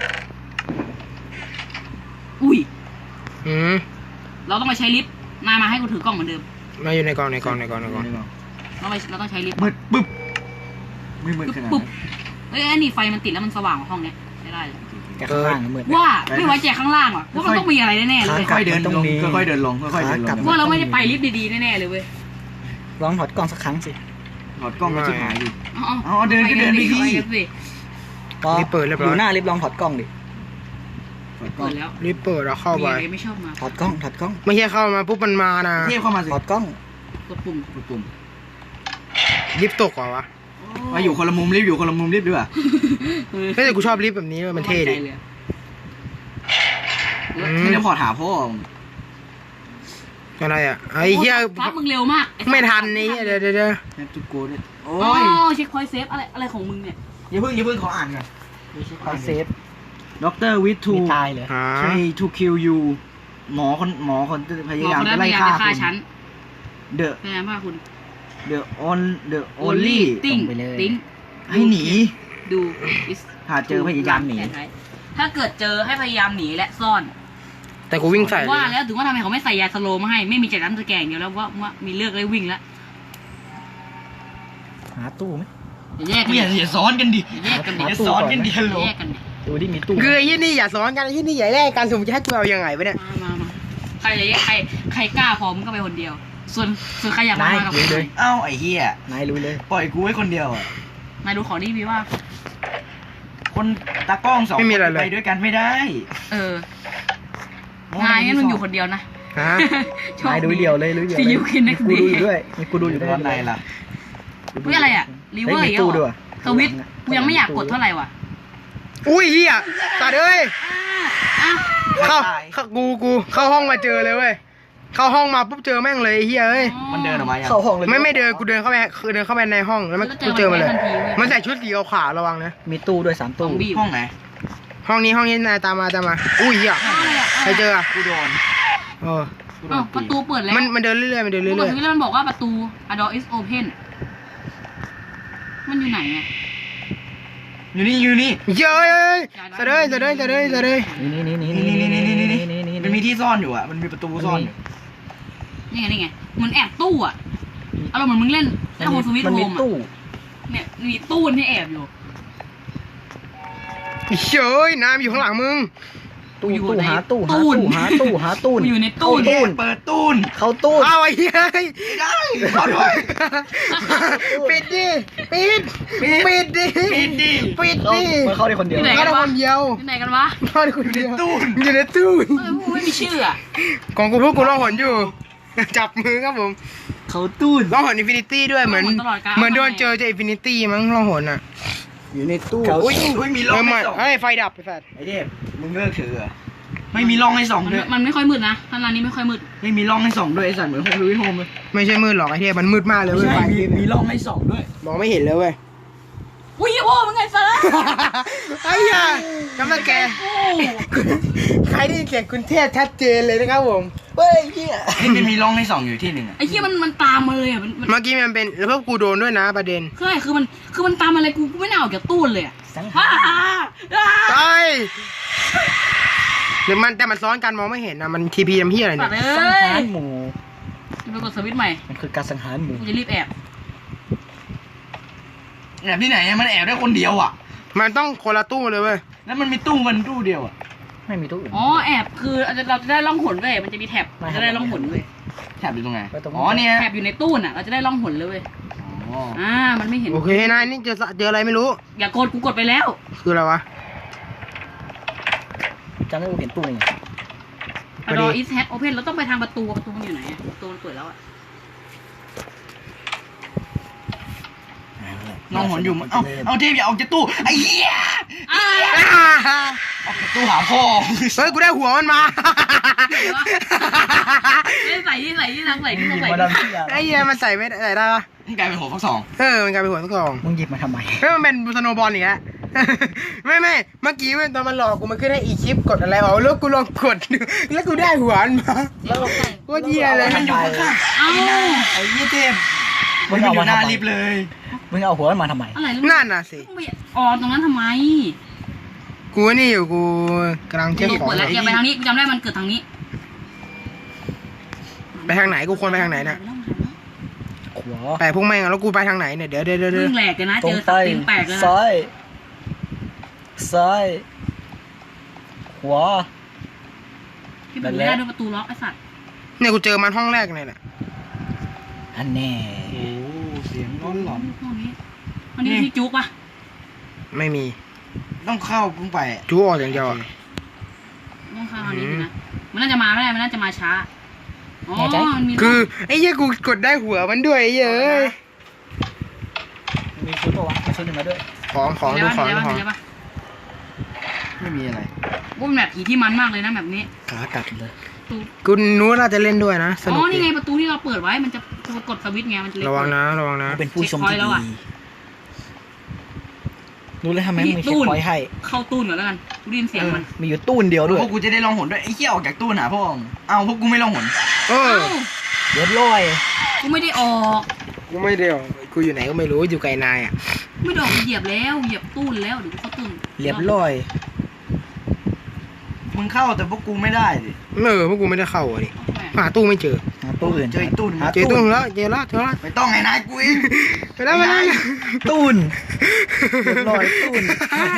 Speaker 1: อุ้ย
Speaker 3: อืม
Speaker 1: เราต้องไปใช้ลิฟต์นายมาให้กูถือกล้องเหมือนเดิม
Speaker 3: มาอยู่ในกล่องในกล่องในกล่องในกล่อง
Speaker 1: เราไปเราต้องใช้ลิฟต์
Speaker 2: มืดปึ๊บไม่มืดขนาด
Speaker 1: ปุ๊
Speaker 2: นั้
Speaker 1: บ
Speaker 2: น
Speaker 1: เอ้ยอันนี้ไฟมันติดแล้วมันสว่างกว่าห้องเนี้ยใช้ได้เลย
Speaker 4: แต่ข้างล่างมืด
Speaker 1: ว่าไม่ไว้ใจข้างล่างว่ะว่ามันต้องมีอะไรแน่ๆเลย
Speaker 2: ค่อยๆเดิน
Speaker 4: มันต้อง
Speaker 2: ลง
Speaker 4: มี
Speaker 2: ค่อยๆเดินลงค่อยๆเดินล
Speaker 4: ขากลับ
Speaker 2: ง
Speaker 1: ว่าเราไม่ได้ไปลิฟต์ดีๆแน่ๆเลยเว้ย
Speaker 4: ลองถอดกล้องสักครั้งสิ
Speaker 2: ถอดกล้องก็ชิบหายดิ
Speaker 1: อ๋อ
Speaker 2: อ๋อเดินก็เดินไปดิ
Speaker 1: ไปกันสิ
Speaker 4: พอ
Speaker 3: รีบเปิดเรียบ
Speaker 4: อ
Speaker 3: ร้อย
Speaker 4: ยู่หน้าลิฟต์ลองถอดกล้องดิ
Speaker 2: ถอดกล้อ
Speaker 1: เปิ
Speaker 2: ง
Speaker 1: ดแล้ว
Speaker 3: รีบเปิดแล้วเข้า
Speaker 1: มี
Speaker 3: ไป
Speaker 1: อะไรไม่ชอบมา
Speaker 4: ถอดกล้องถอดกล้อง
Speaker 3: ไม่ใช่เข้ามาปุ๊บมันมานะ
Speaker 2: เทียบเข้ามาสิ
Speaker 4: ถอดกล้อง
Speaker 1: กดปุ่ม
Speaker 2: กดปุ่ม
Speaker 3: ลิฟต์ตกเหรอวะ
Speaker 2: มาอยู่คนละมุมรีบอยู่คนละมุมรีบดีกว่า
Speaker 1: เออ
Speaker 3: เฮ้ยแต่กูชอบลิฟต์แบบนี้มันเท่ดิ
Speaker 1: มั่ใจลย
Speaker 3: อืม
Speaker 2: ไม่ได้พอถามพ่อ
Speaker 3: อะไรอ่ะไอ้เหี้ย
Speaker 1: ฟ้ามึงเร็วมากอ้
Speaker 3: ไม่ทันนี่เดี๋ยวเดี๋ยวเดี๋ยว
Speaker 2: แฮปทูโกด้วยโอ้
Speaker 1: โอ้
Speaker 2: ย
Speaker 1: เช็คพอยต์เซฟอะไรอะไรของมึงเนี่ย
Speaker 2: อย่าเพิ่งอย่าเพิ่งขออ่านก่อน
Speaker 4: คอนเซฟ
Speaker 2: ด็อกเตอร์วิทู
Speaker 4: มีตายเหรอ
Speaker 3: หา
Speaker 2: ใช่ to kill you หมอคนหมอคนพ
Speaker 1: หม
Speaker 2: ยา
Speaker 1: อย
Speaker 2: าม
Speaker 1: คนนั้
Speaker 2: จะ
Speaker 1: นพ
Speaker 2: ไล่
Speaker 1: ยายาม
Speaker 2: ฆ่า
Speaker 1: จะฆ่า
Speaker 2: คุณ
Speaker 1: ฉัน
Speaker 2: the
Speaker 1: พยายามฆ่าคุณ
Speaker 2: the on the only
Speaker 1: ติ้ง
Speaker 4: ไปเลย
Speaker 1: ติ้ง
Speaker 2: ให้หนี
Speaker 1: ดู is
Speaker 2: หาเจอพยายามหนี
Speaker 1: แผท้ถ้าเกิดเจอให้พยายามหนีและซ่อน
Speaker 3: แต่กูวิ่งใส่เลย
Speaker 1: ว่าแล้วถึงว่าทำไมเขาไม่ใส่ยาสโลว์มาให้ไม่มีจัดน้ำตะแกรงเดียวแล้วว่าว่ามีเลือกเลยวิ่งแล้ว
Speaker 4: หาตู้ไหม
Speaker 1: อย่าแยกกัน
Speaker 2: เนี่ยอย่าซ้อนกันดิ
Speaker 1: อย่าแยกกันดิ
Speaker 2: อย่าซ้อนกันดิฮัลโหล
Speaker 1: อย่าแยกกันดิ
Speaker 4: ดูดิมีตู้
Speaker 3: คือไอ้ที่นี่อย่าซ้อนกันไอ้ที่นี่อย่าแลกกันสมมติจะให้กูเอายังไงวะเนี่ย
Speaker 1: มามามาใครจะแยกใครใครกล้าพร้อมก็ไปคนเดียว ส่วนส่วนใครอยากมาน
Speaker 4: าย
Speaker 1: มากับ
Speaker 4: ลุยเลย
Speaker 2: เอ้าไอ้เหี้ย
Speaker 4: นายลุยเลย
Speaker 2: ปล่อยกูไว้คนเดียวอ่ะ
Speaker 1: นายดูของนี่พี่ว่า
Speaker 2: คนตากล้องสองคนไปด้วยกันไม่ได้
Speaker 1: เออ นายงั้นมึงอยู่คนเดียวนะ
Speaker 3: ฮะ
Speaker 1: โชคน
Speaker 4: ายลุยเดียวเลยลุยเดียว
Speaker 1: See you in
Speaker 4: มี
Speaker 1: next
Speaker 4: กูดู
Speaker 1: day
Speaker 4: อยู่ด้วยมีกูดูอยู่ด้วย
Speaker 2: ร้อนในล่ะ
Speaker 1: เฮ้ยอะไรอ่ะรีเวอร์
Speaker 4: ฮ้ย
Speaker 1: อี
Speaker 4: มี
Speaker 1: ก
Speaker 4: ตู้
Speaker 1: เหร
Speaker 4: ด้
Speaker 1: อ
Speaker 4: วย
Speaker 1: สวิตช์กูยังไม่อยากกดเท่าไหร่ว่ะ
Speaker 3: อุ้ยเฮียตัดเอ้ย
Speaker 1: อ่ะ
Speaker 3: เข้าเข้ากูกูเข้าห้องมาเจอเลยเว้ยเข้าห้องมาปุ๊บเจอแม่งเลยไอ้เฮียเอ้ย
Speaker 2: มันเดินออกมายัง
Speaker 4: เข้าห้องเลย
Speaker 3: ไม่ไม่เดินกูเดินเข้าไปคือเดินเข้าไปในห้องแล้วมันกูเจอมันเลย มันใส่ชุดสีขาวๆระวังนะ
Speaker 4: มีตู้ด้วยสาม
Speaker 1: ซอ
Speaker 4: ตู้
Speaker 1: มบี้
Speaker 2: ห้องไหน
Speaker 3: ห้องนี้ห้องนี้นายตามมาตามมาอุ้ยเฮีย
Speaker 1: อะไรอ่ะ
Speaker 3: ใครเจออะ
Speaker 2: กูโดน
Speaker 3: เออ
Speaker 2: กูโด
Speaker 1: อ้าวน ประตูเปิดแล้ว
Speaker 3: มันมันเดินเรื่อยๆมันเดิน
Speaker 1: กู
Speaker 3: เรื่
Speaker 1: กด
Speaker 3: อย
Speaker 1: สวิตช์แล้วมันบอกว่าประตู a door is open มันอยู่ไหนอ่ะ
Speaker 2: อยู่นี่อยู่นี่
Speaker 3: ๆเย้ยเสะเดยเสะเดยเสะเดยเสะเดย
Speaker 4: นี่นี่นี่
Speaker 2: นี่
Speaker 4: นี่
Speaker 2: นี่
Speaker 4: นี่
Speaker 2: นี่
Speaker 4: นี่
Speaker 2: นี่
Speaker 4: นี่
Speaker 2: นี่
Speaker 4: นี่
Speaker 2: มันมีที่ซ่อนอยู่อ่ะมันมีประตูซ่อนอยู่
Speaker 1: นี่ไงนี่ไงเหมือนแอบตู้อ่ะอารมณ์เหมือนมึงเล่นเล่นโฮมสวิต
Speaker 4: มัน
Speaker 1: โฮ
Speaker 4: มี
Speaker 1: ม
Speaker 4: ตู้
Speaker 1: อ่ะเนี่ยมีตู้ที่แอบอยู่
Speaker 3: เย้ยน้ำอยู่ข้างหลังมึง
Speaker 4: ตู้
Speaker 1: อยู่
Speaker 4: ตู้
Speaker 1: ใน
Speaker 4: หาตู้หา
Speaker 1: ตู้
Speaker 4: ตู้หาตู้หาตู้
Speaker 1: กูอยู่ในตู้
Speaker 4: เข้าตู้
Speaker 2: เปิดตู้น
Speaker 4: เข้าตู้
Speaker 3: เอาไอ้เหี้ย
Speaker 2: ไม่ได้ขอด้วย
Speaker 3: ปิดดิปิดปิดดิ
Speaker 2: ปิดดิ
Speaker 3: ปิด
Speaker 4: เข้า
Speaker 3: ดิ
Speaker 4: มันเข้าได้คนเดียว
Speaker 1: ที่ไหน
Speaker 3: เข้าได้คนเดียว
Speaker 1: ที่ไหนกันวะ
Speaker 3: เข้าได้คนเดียว
Speaker 2: ตู้น
Speaker 3: อยู่ในตู้
Speaker 1: เออกูไม่มีชื่ออ่ะ
Speaker 3: ของกูพวกกูล่องหนอยู่ จับมือครับผม
Speaker 4: เขาตู้
Speaker 3: ล่องหนอินฟินิตี้ด้วยเหมือนเหมือนโดนเจอจากอินฟินิตี้มั้งล่องหนอ่ะ
Speaker 4: อยู่ในตู้
Speaker 2: อุ้ยอุ้ยมี
Speaker 3: เอ
Speaker 2: ร่อ
Speaker 3: อง มา
Speaker 2: ให้ส่อง
Speaker 3: เอ้ยไฟดับไปสัตว์
Speaker 2: ไอเทพมึงเลิกถือเหรอไม่มีร่องให้ส่อง
Speaker 1: มัน
Speaker 2: ด้วย
Speaker 1: มันไม่ค่อยมืดนะท่านร้านนี้ไม่ค่อยมืด
Speaker 2: ไม่มีร่องให้ส่องด้วยไอสัตว์เหมือนโฮมลุยโฮมเลย
Speaker 3: ไม่ใช่มืดหรอกไอ้เหี้ยมันมืดมากเลย
Speaker 2: ไม่
Speaker 3: เว้ย
Speaker 2: ใช่
Speaker 3: ไฟ
Speaker 2: มีมีร่องให้ส่องด้วย
Speaker 3: มองไม่เห็นเลยเว้ย
Speaker 1: อุ้ยโอ้มึงไงเซิร์ฟ
Speaker 3: ไอ้เหี้ยกำลังแก
Speaker 1: โอ้
Speaker 3: ใครได้ยินเสียงคุณเทพชัดเจนเลยนะครับผม
Speaker 4: เฮ้ยเฮีย
Speaker 2: นี่มันมีร่องให้ส่องอยู่ที่หนึ่งอะ
Speaker 1: ไอ้เหี้ยมันมันตามมาเลยอ่ะมันมัน
Speaker 3: เมื่อกี้มันเป็นแล้วพวกกูโดนด้วยนะประเด็น
Speaker 1: ใช่คือมันคือมันตามมาอะไรกูกูไม่น่าออกจากตู้เลยอ่ะ
Speaker 4: สังหา
Speaker 1: อ้าร อ้า
Speaker 3: ไอ้หรือมันแต่มันซ้อนกันมองไม่เห็นนะมันทีพีทำเพี้ยอะไร
Speaker 1: ปั
Speaker 3: เนี่
Speaker 1: ด
Speaker 3: ย
Speaker 1: เอ้
Speaker 4: สังหาย รหมู่
Speaker 1: จะไปกดสวิตช์ใหม่
Speaker 4: มันคือการสังหารหมู่
Speaker 1: กูจะรีบแอบ
Speaker 2: แอบที่ไหนอะมันแอบได้คนเดียวอ่ะ
Speaker 3: มันต้องคนละตู้เลยเว้ย
Speaker 2: แล้วมันมีตู้มันตู้เดียวอ่ะ
Speaker 4: ไม่มีตู้อื่น
Speaker 1: อ๋อแอบคือเราจะได้ล่องหนเว้ยมันจะมีแท็บ
Speaker 4: ไม่
Speaker 1: จะได้ล่องหนเว้ย
Speaker 2: แถบอยู่ตรงไหน
Speaker 4: ไปตรงนี้
Speaker 2: อ๋อเนี่ย
Speaker 1: แท็บอยู่ในตู้น่ะเราจะได้ล่องหนเลยเว้ย
Speaker 2: อ๋อ
Speaker 1: อ่ามันไม่เห็น
Speaker 3: โอเคนายนี่เจอเจออะไรไม่รู้
Speaker 1: อย่ากดกูกดไปแล้ว
Speaker 3: คืออะไรวะ
Speaker 4: จำได้ว่าเห็นตู้นี่ไง
Speaker 3: พอดี
Speaker 1: รออีสแฮทโอเพนเราต้องไปทางประตูประตูมันอยู่ไหนอะประตูมันเปิดแล้วอะ
Speaker 2: น้องหนอยู่มั้งเอาเอาเทพอย่าออกจากตู้ไอ้เหี้ย
Speaker 1: อ้า
Speaker 2: ออกจากตู้หาพ่อ
Speaker 3: เฮ้ยกูได้หัวมันมา
Speaker 1: เอ้ยใส่ที่ใส่ที่ทางใส่ที่ทางใส่
Speaker 4: มา
Speaker 1: ที่
Speaker 4: ดามเฮีย
Speaker 3: ไอ้เหี้ยมันใส่ไม่ได้ใส่ได้ปะ
Speaker 2: นี่กลายเป็นหัวฟักสอง
Speaker 3: เออมันกลายเป็นหัวทุกกล่อง
Speaker 4: มึงหยิบมาทำไม
Speaker 3: เฮ้ยมันเป็นสโนว์บอลอีกแล้ว ไม่ไม่เมื่อกี้เว้ยตอนมันหลอกกูมันขึ้นให้อีคลิปกดอะไรเอาแล้วกูลองกดดูแล้วกูได้หัวมันมา
Speaker 1: แล้วเราใส่
Speaker 3: โคตรเหี้ยเลย
Speaker 2: มันอยู่ข้างๆ
Speaker 1: เอ้า
Speaker 2: ไอ้เหี้ยเทพมันอยู่หน้าลิฟต์เลย
Speaker 4: มึงเอาหัวมันมาทำไม
Speaker 1: อะไร
Speaker 3: นั่นน่ะสิ
Speaker 1: ต้องไปอ๋อตรงนั้นทำไม
Speaker 3: กูนี่อยู่กูกำลังเช็ค
Speaker 1: ตู้
Speaker 3: ของ
Speaker 1: เปิดแล้วอย่าไปทางนี้กูจำได้มันเกิดทางนี้
Speaker 3: ไปทางไหนกูควรไปทางไหนเนี่ย
Speaker 4: ขวา
Speaker 3: ไปพวกแม่งอะแล้วกูไปทางไหนเนี่ยเดี๋ยวเดี๋ยวเดี๋ยวเดี๋
Speaker 1: เรื่
Speaker 3: ยว
Speaker 1: องแหลกเลยนะ
Speaker 4: ตร
Speaker 1: เจ
Speaker 4: ง
Speaker 1: อ
Speaker 4: ไป
Speaker 1: ตีนแตกเลยนะ
Speaker 4: ซ้ายซ้ายขวา
Speaker 1: ที่เปิดไม่ได้ด้วยประตูล็อกไอ้สัตว์
Speaker 3: เนี่ยกูเจอมันห้องแรกเนี่ยแหละ
Speaker 4: อันแน่
Speaker 2: โอ้เสียงร้อนหลอน
Speaker 1: ห้องนี้ห้องนี้ที่จุกปะ
Speaker 3: ไม่มี
Speaker 2: ต้องเข้าพุ่งไป
Speaker 3: จูออกอย่างเดียวอะ
Speaker 1: ต้องเข้าห้องนี้สินะมันน่าจะมาไม่ได้มันน่าจะมาช้าอ๋อมันมี
Speaker 3: คือไอ้เหี้ยกูกดได้หัวมันด้วยไอ้เหี้ยเอ้ย
Speaker 4: มีชุดปะวะมีชุดหนึ่งมาด้วย
Speaker 3: ของของดูของดูของ
Speaker 1: ใช่ปะ
Speaker 2: ไม่มีอะไร
Speaker 1: ว่าเป็นแบบผีที่มันมากเลยนะแบบนี้
Speaker 4: ขากัดเลย
Speaker 1: ประตู
Speaker 3: กูนู้นน่าจะเล่นด้วยนะส
Speaker 1: อ๋
Speaker 3: นุก
Speaker 1: อ
Speaker 3: ดี
Speaker 1: นี่ไงประตูที่เราเปิดไว้มันจะกดสวิตช์ไงมันจะเล็ก
Speaker 3: ระวังนะระวังนะ
Speaker 4: กูเป็นผู้ชมที่
Speaker 1: เช็คพอยต์แล้ว
Speaker 4: ดี
Speaker 1: อะ
Speaker 4: รู้เลยทำไมมึงมีเช็คพอยต์ให้
Speaker 1: เข้าตู้หน่อยแล้วกันกูได้ยินเสียงมัน
Speaker 4: มีอยู่ตู้เดียวด้วย
Speaker 2: พวกกูจะได้ลองหนด้วยไอ้เหี้ยออกจากตู้หาพ่อมึงเอาพวกกูไม่ลองหน
Speaker 3: เออ
Speaker 1: เอ้า
Speaker 4: เรียบร้อย
Speaker 1: กูไม่ได้ออก
Speaker 3: กูไม่เดียวกูอยู่ไหนก็ไม่รู้อยู่ไกลนายอ่ะ
Speaker 1: ไม่ได้ออกเหยียบแล้วเหยียบตู้แล้วเดี๋ยวกูเข้าตู้
Speaker 4: เรียบร้อย
Speaker 2: มึงเข้าแต่พวกกูไม่ได้ดิ
Speaker 3: เออพวกกูไม่ได้เข้าอ่ะดิหาตู้ไม่เจอ
Speaker 4: หาตู้อื่น
Speaker 2: เจออีกตู้หนึ่ง
Speaker 4: หา
Speaker 3: เจอตู้แล้วเจอแล้วเจอแล้ว
Speaker 2: ไม่ต้องไงนายกูเอง
Speaker 3: ไปแล้วไปแล้ว
Speaker 4: ตู้นเรียบร้อยตู้น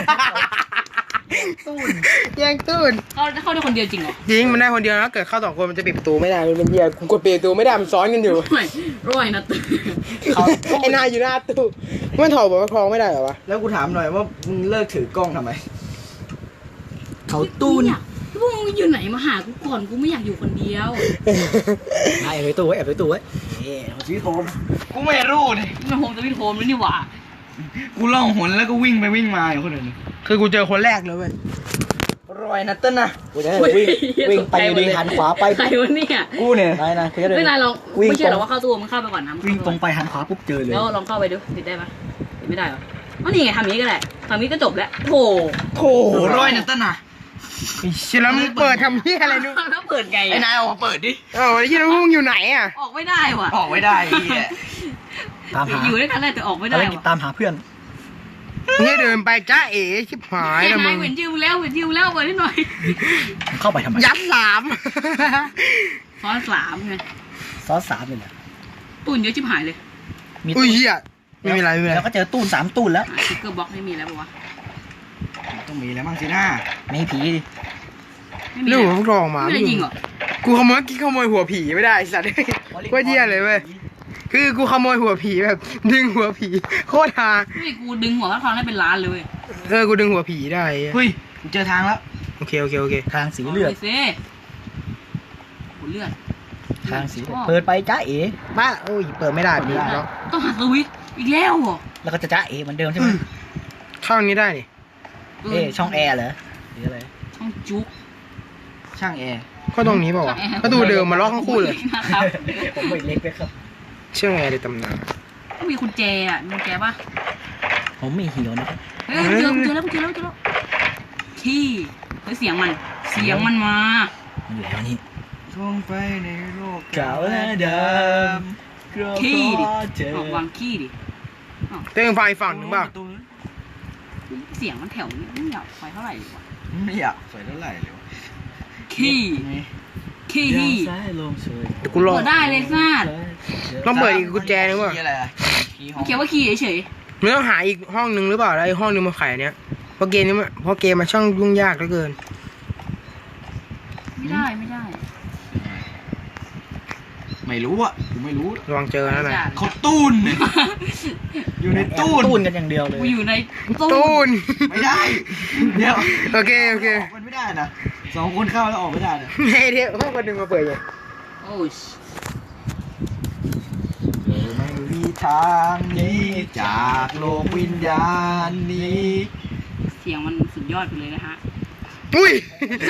Speaker 4: ตู้น
Speaker 3: แย่งตู้
Speaker 1: เขาเข้าได้คนเดียวจริงเหรอ
Speaker 3: จริงมันได้คนเดียวนะเกิดเข้าสองคนมันจะปิดประตูไม่ได้มันเป็นเหี้ยกูกดปิดประตูไม่ได้มันซ้อนกันอยู่
Speaker 1: ไม่ร้อยนะตื่น
Speaker 4: เขา
Speaker 3: ไอ้นายอยู่หน้าตู้มันถอดบอกว่าคลองไม่ได้เหรอวะ
Speaker 2: แล้วกูถามหน่อยว่ามึงเลิกถือกล้องทำไม
Speaker 4: เขาตู้น
Speaker 1: พวกมึงอยู่ไหนมาหากูก่อนกูไม่อยากอยู่คนเดียว
Speaker 4: แอบไปตู้ไว้แอบไปตู้ไว้เอ๊ะชีวิตผม
Speaker 2: กูไม่รู้ดิ
Speaker 1: มันโฮมจะวิ่งโฮมแล้วนี่หว่า
Speaker 2: กูล่องหนแล้วก็วิ่งไปวิ่งมาอยู่คนอื่น
Speaker 3: คือกูเจอคนแรกเลยเว้ย
Speaker 4: รอยนัตเติ้ลนะกูจะวิ่งวิ่งไปอยู่ดีหันขวาไป
Speaker 1: ใครวะเนี่ย
Speaker 2: กูเนี่ย
Speaker 4: นายนะกูจะเดิน
Speaker 1: ไม่นายลอง
Speaker 4: วิ่ง
Speaker 1: ไม่เชื่อหร
Speaker 4: ต
Speaker 1: อ
Speaker 4: รง
Speaker 1: ว่าเข้าตัวมึงเข้าไปก่อนนะ
Speaker 4: วิ่งตรงไปหันขวาปุ๊บเจอเลย
Speaker 1: แล้วลองเข้าไปดูติดได้ปะติดไม่ได้หรออ๋อนี่ไงทำนี้ก็ได้ทำนี้ก็จบแล้วโถ
Speaker 2: โถร้อยนัตต้นน่ะ
Speaker 3: ไอ้เชี่ยแล้วมึงเปิดทำเหี้ยอะไรนู่น
Speaker 1: แล้วเปิดไง
Speaker 2: ไอ้นายออกมาเปิดดิ
Speaker 3: เอ้าไอ้เหี้ยแล้วมึงอยู่ไหนอ่ะ
Speaker 1: ออกไม่ได้ว่ะ
Speaker 2: ออกไม่ได้ไอ้เหี้ย
Speaker 4: ตามหา
Speaker 1: อยู่ด้วยกันได้แต่ออกไม่
Speaker 4: อะ
Speaker 1: ได้
Speaker 4: ไรกิน
Speaker 1: ว่ะ
Speaker 4: ตามหาเพื่อน
Speaker 3: เนี่ยเดินไปจ้าเอ๋ชิบหาย
Speaker 1: แค่
Speaker 3: แล้วมึ
Speaker 1: นาย
Speaker 3: ง
Speaker 1: เห็นจิวแล้วเห็นจิวแล้วเปิดนิดหน่อย
Speaker 4: มึงเข้าไปทำไม
Speaker 3: ยัดสาม
Speaker 1: ซ้อนสามไง
Speaker 4: ซอสสามเลยเหรอ
Speaker 1: ตุ่นเยอะชิบหายเลย
Speaker 4: มี
Speaker 3: อุ้
Speaker 4: ตู้
Speaker 3: ยเหี้ยไม่มีอะไรไม่มีอะไร
Speaker 4: แล้วก็เจอตู้นสามตู้นแล้ว
Speaker 1: สติ๊กเกอร์บล็อกไม่มีแล้วปะวะ
Speaker 2: ต้องมีแล้วมั้งสิหน้า
Speaker 4: ไม่ผีดิ
Speaker 1: ไม่มี
Speaker 3: เรื่อง
Speaker 1: แล้
Speaker 3: ข
Speaker 1: ว
Speaker 3: องพวกรองมา
Speaker 1: ไม่ได้จริงเหรอ
Speaker 3: กูขโมยกี้ขโมยหัวผีไม่ได้ไอ้สัตว์ว่าเหี้ยเลยเว้ยคือกูขโมยหัวผีแบบดึงหัวผีโคตรฮา
Speaker 1: ไม่กูดึงหัวพระทองได้เป็นล้านเลยเว้ย
Speaker 3: เออกูดึงหัวผีได้
Speaker 2: เฮ้ยกูเจอทางแล้ว
Speaker 3: โอเคโอเคโอเค
Speaker 4: ทางสีเลือด
Speaker 1: าไปสิโหเลือด
Speaker 4: ทางสีเลือดเปิดไปจ้าเอ๋
Speaker 3: บ้าโอ้ยเปิดไม่ได้พี่แล้ว
Speaker 1: ต้องหาสวิตช์อีกแล้วเหรอ
Speaker 4: แล้วก็จะจ้าเอ๋เหมือนเดิมใช่ไหม
Speaker 3: เข้าอันนี้ได้นี่
Speaker 4: เอ๊ะช่องแอร์เหรอหรืออะไร
Speaker 1: ช่องจุ๊ก
Speaker 2: ช่างแอร์
Speaker 3: ก็ตรงนี้เปล่าวะประตูเดิมมาล็อกทั้งคู่เลย
Speaker 1: นะครับ
Speaker 4: ผมไม่เล็กเลยครับ
Speaker 3: เชื่อไงในตำนาน
Speaker 1: ต้องมีกุญแจอ่ะมีกุญแจป่ะ
Speaker 4: ผมไม่หิวนะครับ
Speaker 1: เฮ้ยเจอเจอแล้วเจอแล้วเจอแล้วขี้เฮ้ยเสียงมัน เสียงมันมา
Speaker 4: มันอยู่แล้วนี่
Speaker 2: ท่องไปในโลก
Speaker 4: เก่าและด
Speaker 1: ขี้ดิ
Speaker 4: เจอ
Speaker 1: ออกวางขี้ดิ
Speaker 3: เต้งไฟฝั่งหนึ่งเปล่า
Speaker 1: เสียงมันแถวนี้ไม่อยากไปเท่าไหร่ดีกว่า
Speaker 2: ไม่อยากสวยเท่าไหร่เลยวะ
Speaker 1: ขี้ขี้ฮี่
Speaker 4: ซ้ายลงสวย
Speaker 3: เดี๋ยวกูลอง
Speaker 1: เปิดได้เลยซ่า
Speaker 3: ลองเปิดอีกกุญแจนึงว่ะ
Speaker 2: ขี้อะไรอะขี้ห้อง
Speaker 1: เขียนว่าขี้เฉย
Speaker 3: มึงต้องหาอีกห้องนึงหรือเปล่าแล้วไอ้ห้องนึงมาไขอันเนี้ยเพราะเกมนี้มันเพราะเกมมันช่างยุ่งยากเหลือเกิน
Speaker 1: ๆไม่ได้ไม่ได้
Speaker 2: ไม่รู้อ่ะกูไม่รู้
Speaker 3: ระวังเจอนะนาย
Speaker 2: เขาตูนเนี่ยอยู่ในตู้น
Speaker 4: ตู้นกันอย่างเดียวเลย
Speaker 1: กูอยู่ในตู้
Speaker 3: ตูน
Speaker 2: ไม่ได้เดี๋ยว
Speaker 3: โอเคโอเค
Speaker 2: มันไม่ได้นะสองคนเข้าแล้วออกไม่ได้นะ
Speaker 3: เฮ้ยเดี๋ยวห้องคนหนึ่งมาเปิดไง
Speaker 1: โอ้ย
Speaker 2: ไม่มีทางหนี้จากโลกวิญญาณนี้
Speaker 1: เสียงมันสุดยอดไปเลยนะฮะ
Speaker 3: อุ้ย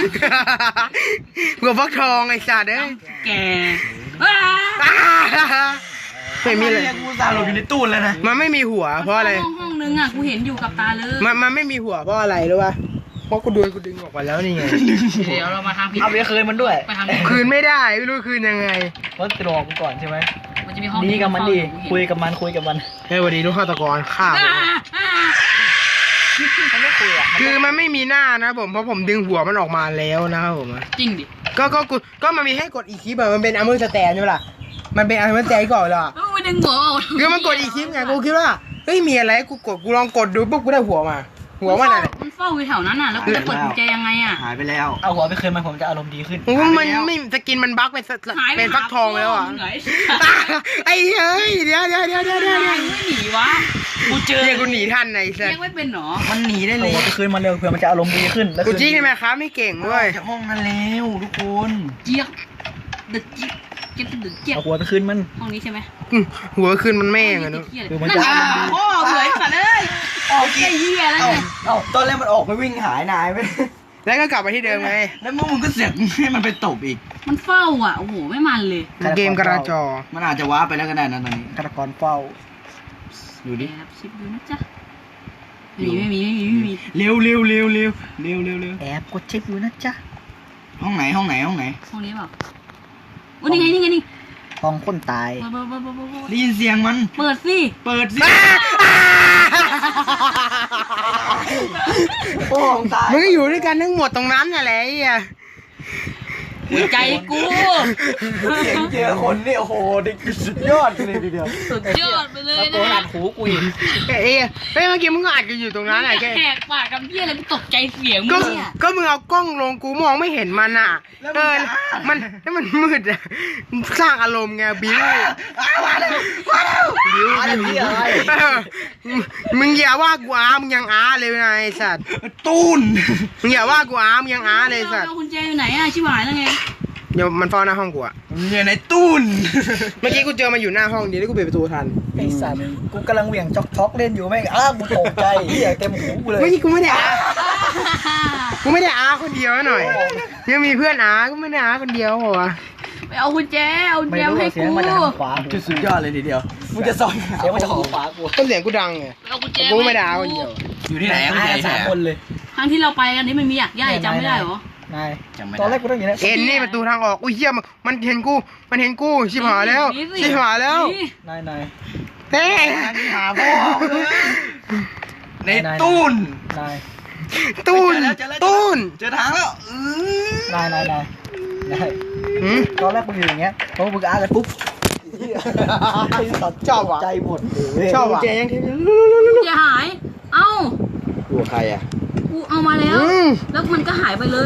Speaker 3: หัวฟักทองไอ้สัตว์เอ้ย
Speaker 1: แกอ้า
Speaker 3: อ้าไม่มีเลย
Speaker 2: รีกกูสาหลบอยู่ในตู้แล้วนะ
Speaker 3: มันไม่มีหัวเพราะอะไร
Speaker 1: ห้องห้องนึงอ่ะกูเห็นอยู่กับตาเลย
Speaker 3: มันมันไม่มีหัวเพราะอะไรรู้ป่ะเพราะกูดูกูดึงออกมาแล้วนี่ไง
Speaker 1: เดี๋ยวเรามาทางผิด
Speaker 4: เอาไปคืนมันด้วย
Speaker 1: ไปทางผิด
Speaker 3: คืนไม่ได้ไม่รู้คืนยังไง
Speaker 4: เพราะจะรอกูก่อนใช่ไหม
Speaker 1: มันจะมีห้อง
Speaker 4: ดีกับมันดี
Speaker 1: เฝ้าอ
Speaker 4: คุยกับมันคุยกับมัน
Speaker 3: เฮ้ยสวัสดีลูกฆาตกรฆ่า
Speaker 1: อ่า
Speaker 3: ผม
Speaker 1: อ่า
Speaker 4: มันไม่คุยอ่ะ
Speaker 3: คือมันไม่มีหน้านะผมเพราะผมดึงหัวมันออกมาแล้วนะครับผม
Speaker 1: จริงดิ
Speaker 3: ก็ก็กูก็มันมีให้กดอีกคลิปอะมันเป็นอาร์เมอร์สแตนใช่ไหมล่ะมันเป็นอาร์เมอร์สแตนก่อนเหรอ
Speaker 1: แล้วมึงไปดึงหัวออก
Speaker 3: คือมันกดอีกคลิปไงกูคิดว่าเฮ้ยมีอะไรกูกดกูลองกดดูปุ๊บกูได้หัวมา หัวมันอะไร
Speaker 1: มันเฝ้าอยู่แถวนั้นน่ะแล้วกูจะเปิดกุญแจยังไงอ่ะ
Speaker 2: หายไปแล้ว
Speaker 4: เอาหัวไปคืนมันผมจะอารมณ์ดีขึ้น
Speaker 3: โอ้มันไม่สกินมันบั๊กเป็นส
Speaker 1: หายไป
Speaker 3: เป็นฟักทองแล้วอ่ะ
Speaker 1: หาพ่มึงเหร
Speaker 3: ไอ้เฮ้ยเดี๋ยวเดี๋ยวเดี๋ยวเดี๋ยวเดี๋ยว
Speaker 1: ไม่หนีวะ
Speaker 2: กูเจอ
Speaker 3: เรียกกูหนีทันไอ้สั
Speaker 1: เรี
Speaker 3: ส
Speaker 1: ยกไม่เป็นหรอ
Speaker 2: มันหนีได้
Speaker 4: เอา
Speaker 2: เลย
Speaker 4: หัวไปคืนมันเร็วเพื่อมันจะอารมณ์ดีขึ้นแล้ว
Speaker 3: กู
Speaker 4: คืน
Speaker 3: จี้ใช่ไหมครับไม่เก่งด้วย
Speaker 2: จากห้องนั้นแล้วทุกคน
Speaker 1: เจี๊ยกเด็ดเจี๊ยกเจี๊ยกเด็ดเจี๊ยก
Speaker 4: เอาหัวไปคืนมัน
Speaker 1: ห้องนี้ใช่ไหม
Speaker 3: อืมหัวคืนมันแม่งอะเนอะ
Speaker 4: คือมัน
Speaker 1: นั่น
Speaker 4: จะ
Speaker 1: ไงโอ้เหยสัตว์เอ้ยออกไอ้เหี้ยแล้ว
Speaker 2: เอ้า
Speaker 1: ไง
Speaker 2: เอ้าตอนแรกมันออกไปวิ่งหายนายไป
Speaker 3: แล้วก็กลับมาที่เดิมไง
Speaker 2: แล้วมึงก็เสือกให้มันไปตบอีก
Speaker 1: มันเฝ้าอ่ะโอ้โหไม่มันเลย
Speaker 3: เกมกระจอ
Speaker 2: มันอาจจะว้าร์ปไปแล้วก็ได้นะตอนนี้
Speaker 4: ฆาตกรเฝ้า
Speaker 2: ดูดิ
Speaker 1: แอบชิปดูนะจ๊ะไม่มีไม่มีไม่มีไม่มี
Speaker 2: เร็วเร็วเร็วเร็วเร็วเร็วเร็ว
Speaker 4: แอบกดเช็คอยู่นะจ๊ะ
Speaker 2: ห้องไหนห้องไหนห้องไหน
Speaker 1: ห้องนี้เปล่าโอ้นี่ไงนี่ไงนี่
Speaker 4: ทองคนตาย
Speaker 1: เปิดเปิดเปิดเปิดเปิด
Speaker 2: ได้ยินเสียงมัน
Speaker 1: เปิดสิ
Speaker 2: เปิดสิ
Speaker 4: โอ้ของตาย
Speaker 3: มึงก็อยู่ด้วยกันทั้งหมดตรงนั้นน่ะแหละไอ้เหี้ย
Speaker 1: หัวใจกู
Speaker 4: เสียงเจอคนนี่โอ้โหนี่คือสุดยอดเลยทีเดียว
Speaker 1: สุดยอดไปเลย
Speaker 4: ตะโกนอั
Speaker 1: นะ
Speaker 4: ดหูกูอีก
Speaker 3: เอ้ยเฮ้ยเมื่อกี้มึงก็อัดกันอยู่ตรงนั้นแหละแก
Speaker 1: แหกปากกับเพี้ยอะไรกูตกใจเสียงมึ
Speaker 3: ก็
Speaker 1: งเนี่ย
Speaker 3: ก็มึงเอากล้องลงกูมองไม่เห็นมันอ่ะเออมันแล้วมันมืดอ่ะสร้างอารมณ์ไงบิ้ว
Speaker 2: มาแล้วมาแล้ว
Speaker 3: บิ้ว
Speaker 4: อะไรพี่อะไร
Speaker 3: เออมึงอย่าว่ากูอามึงยังอาเลยนะไอ้สัตว์
Speaker 2: ตูน
Speaker 3: มึงอย่าว่ากูอามึงยังอาเลยไอ้สัตว์
Speaker 1: เอาคุณแจอยู่ไหนอะชิบหายแล้วไง
Speaker 3: เดี๋ยวมันเฝ้าหน้าห้องกูอ่ะ
Speaker 2: อยู่ในตูน
Speaker 3: เมื่อกี้กูเจอมันอยู่หน้าห้องดีแล้วกูปิดประตูทัน
Speaker 4: ไอ้สัตว์กูกำลังเหวี่ยงจ็อกท็อกเล่นอยู่แม่งอ้ากูตกใจเหี้ยเต็มหูกูเลย
Speaker 3: เมื่อกี้กูไม่ได้อากูไม่ได้อาคนเดียวหน่อยยังมีเพื่อนอากูไม่ได้อาคนเดียวเหรอวะ
Speaker 1: ไปเอาคุณแจเอาคุณ
Speaker 4: ไม่
Speaker 1: แจ
Speaker 4: รู้
Speaker 1: ให้
Speaker 4: ว่าเสีย
Speaker 1: กู
Speaker 4: งมาจากทางขวา
Speaker 2: คือสุดยอดเลยทีเดียว
Speaker 4: มึงจะซอยเสียงมาจากทางขวากู
Speaker 3: ต้นเสียงกูดังไง
Speaker 1: ไปเอาคุณแจ
Speaker 3: กูไม่ได้อาคนเดียว
Speaker 2: อยู่ที่ไหนอะ
Speaker 4: มา
Speaker 2: คุณ
Speaker 4: กัน
Speaker 2: แจ
Speaker 4: สามคนเลย
Speaker 1: ครั้งที่เราไปกันนี้มันมีอยากย่ายจำไม่ได้เหรอ
Speaker 4: นาย
Speaker 2: จำไม่
Speaker 4: ตอนแร
Speaker 2: ได้
Speaker 4: กกูต้องอยู่ใน
Speaker 3: เอ็นนี่ประตูทางออกอุ้ยเหี้ยมันมันเห็นกูมันเห็นกูชิบหายแล้วชิบหายแล้ว
Speaker 1: นี่
Speaker 4: นายนาย
Speaker 3: เต้
Speaker 2: หาพ่อในตูน
Speaker 4: นาย
Speaker 3: ตูน
Speaker 2: เจอแล้วเจอแล้ว
Speaker 3: ตูน
Speaker 2: เจอทางแล้วอือน
Speaker 4: ายนายนายนาย
Speaker 3: หืม
Speaker 4: ตอนแรกกูอยู่อย่างเงี้ยพอมึงอ้ากันปุ๊บชอบใจหมดเลย
Speaker 3: ชอบว่ะเจยัง
Speaker 1: แจหาย เอ้า
Speaker 4: กูใครอ่ะ
Speaker 1: กูเอามาแล้ว
Speaker 3: อืม
Speaker 1: แล้วมันก็หายไปเลย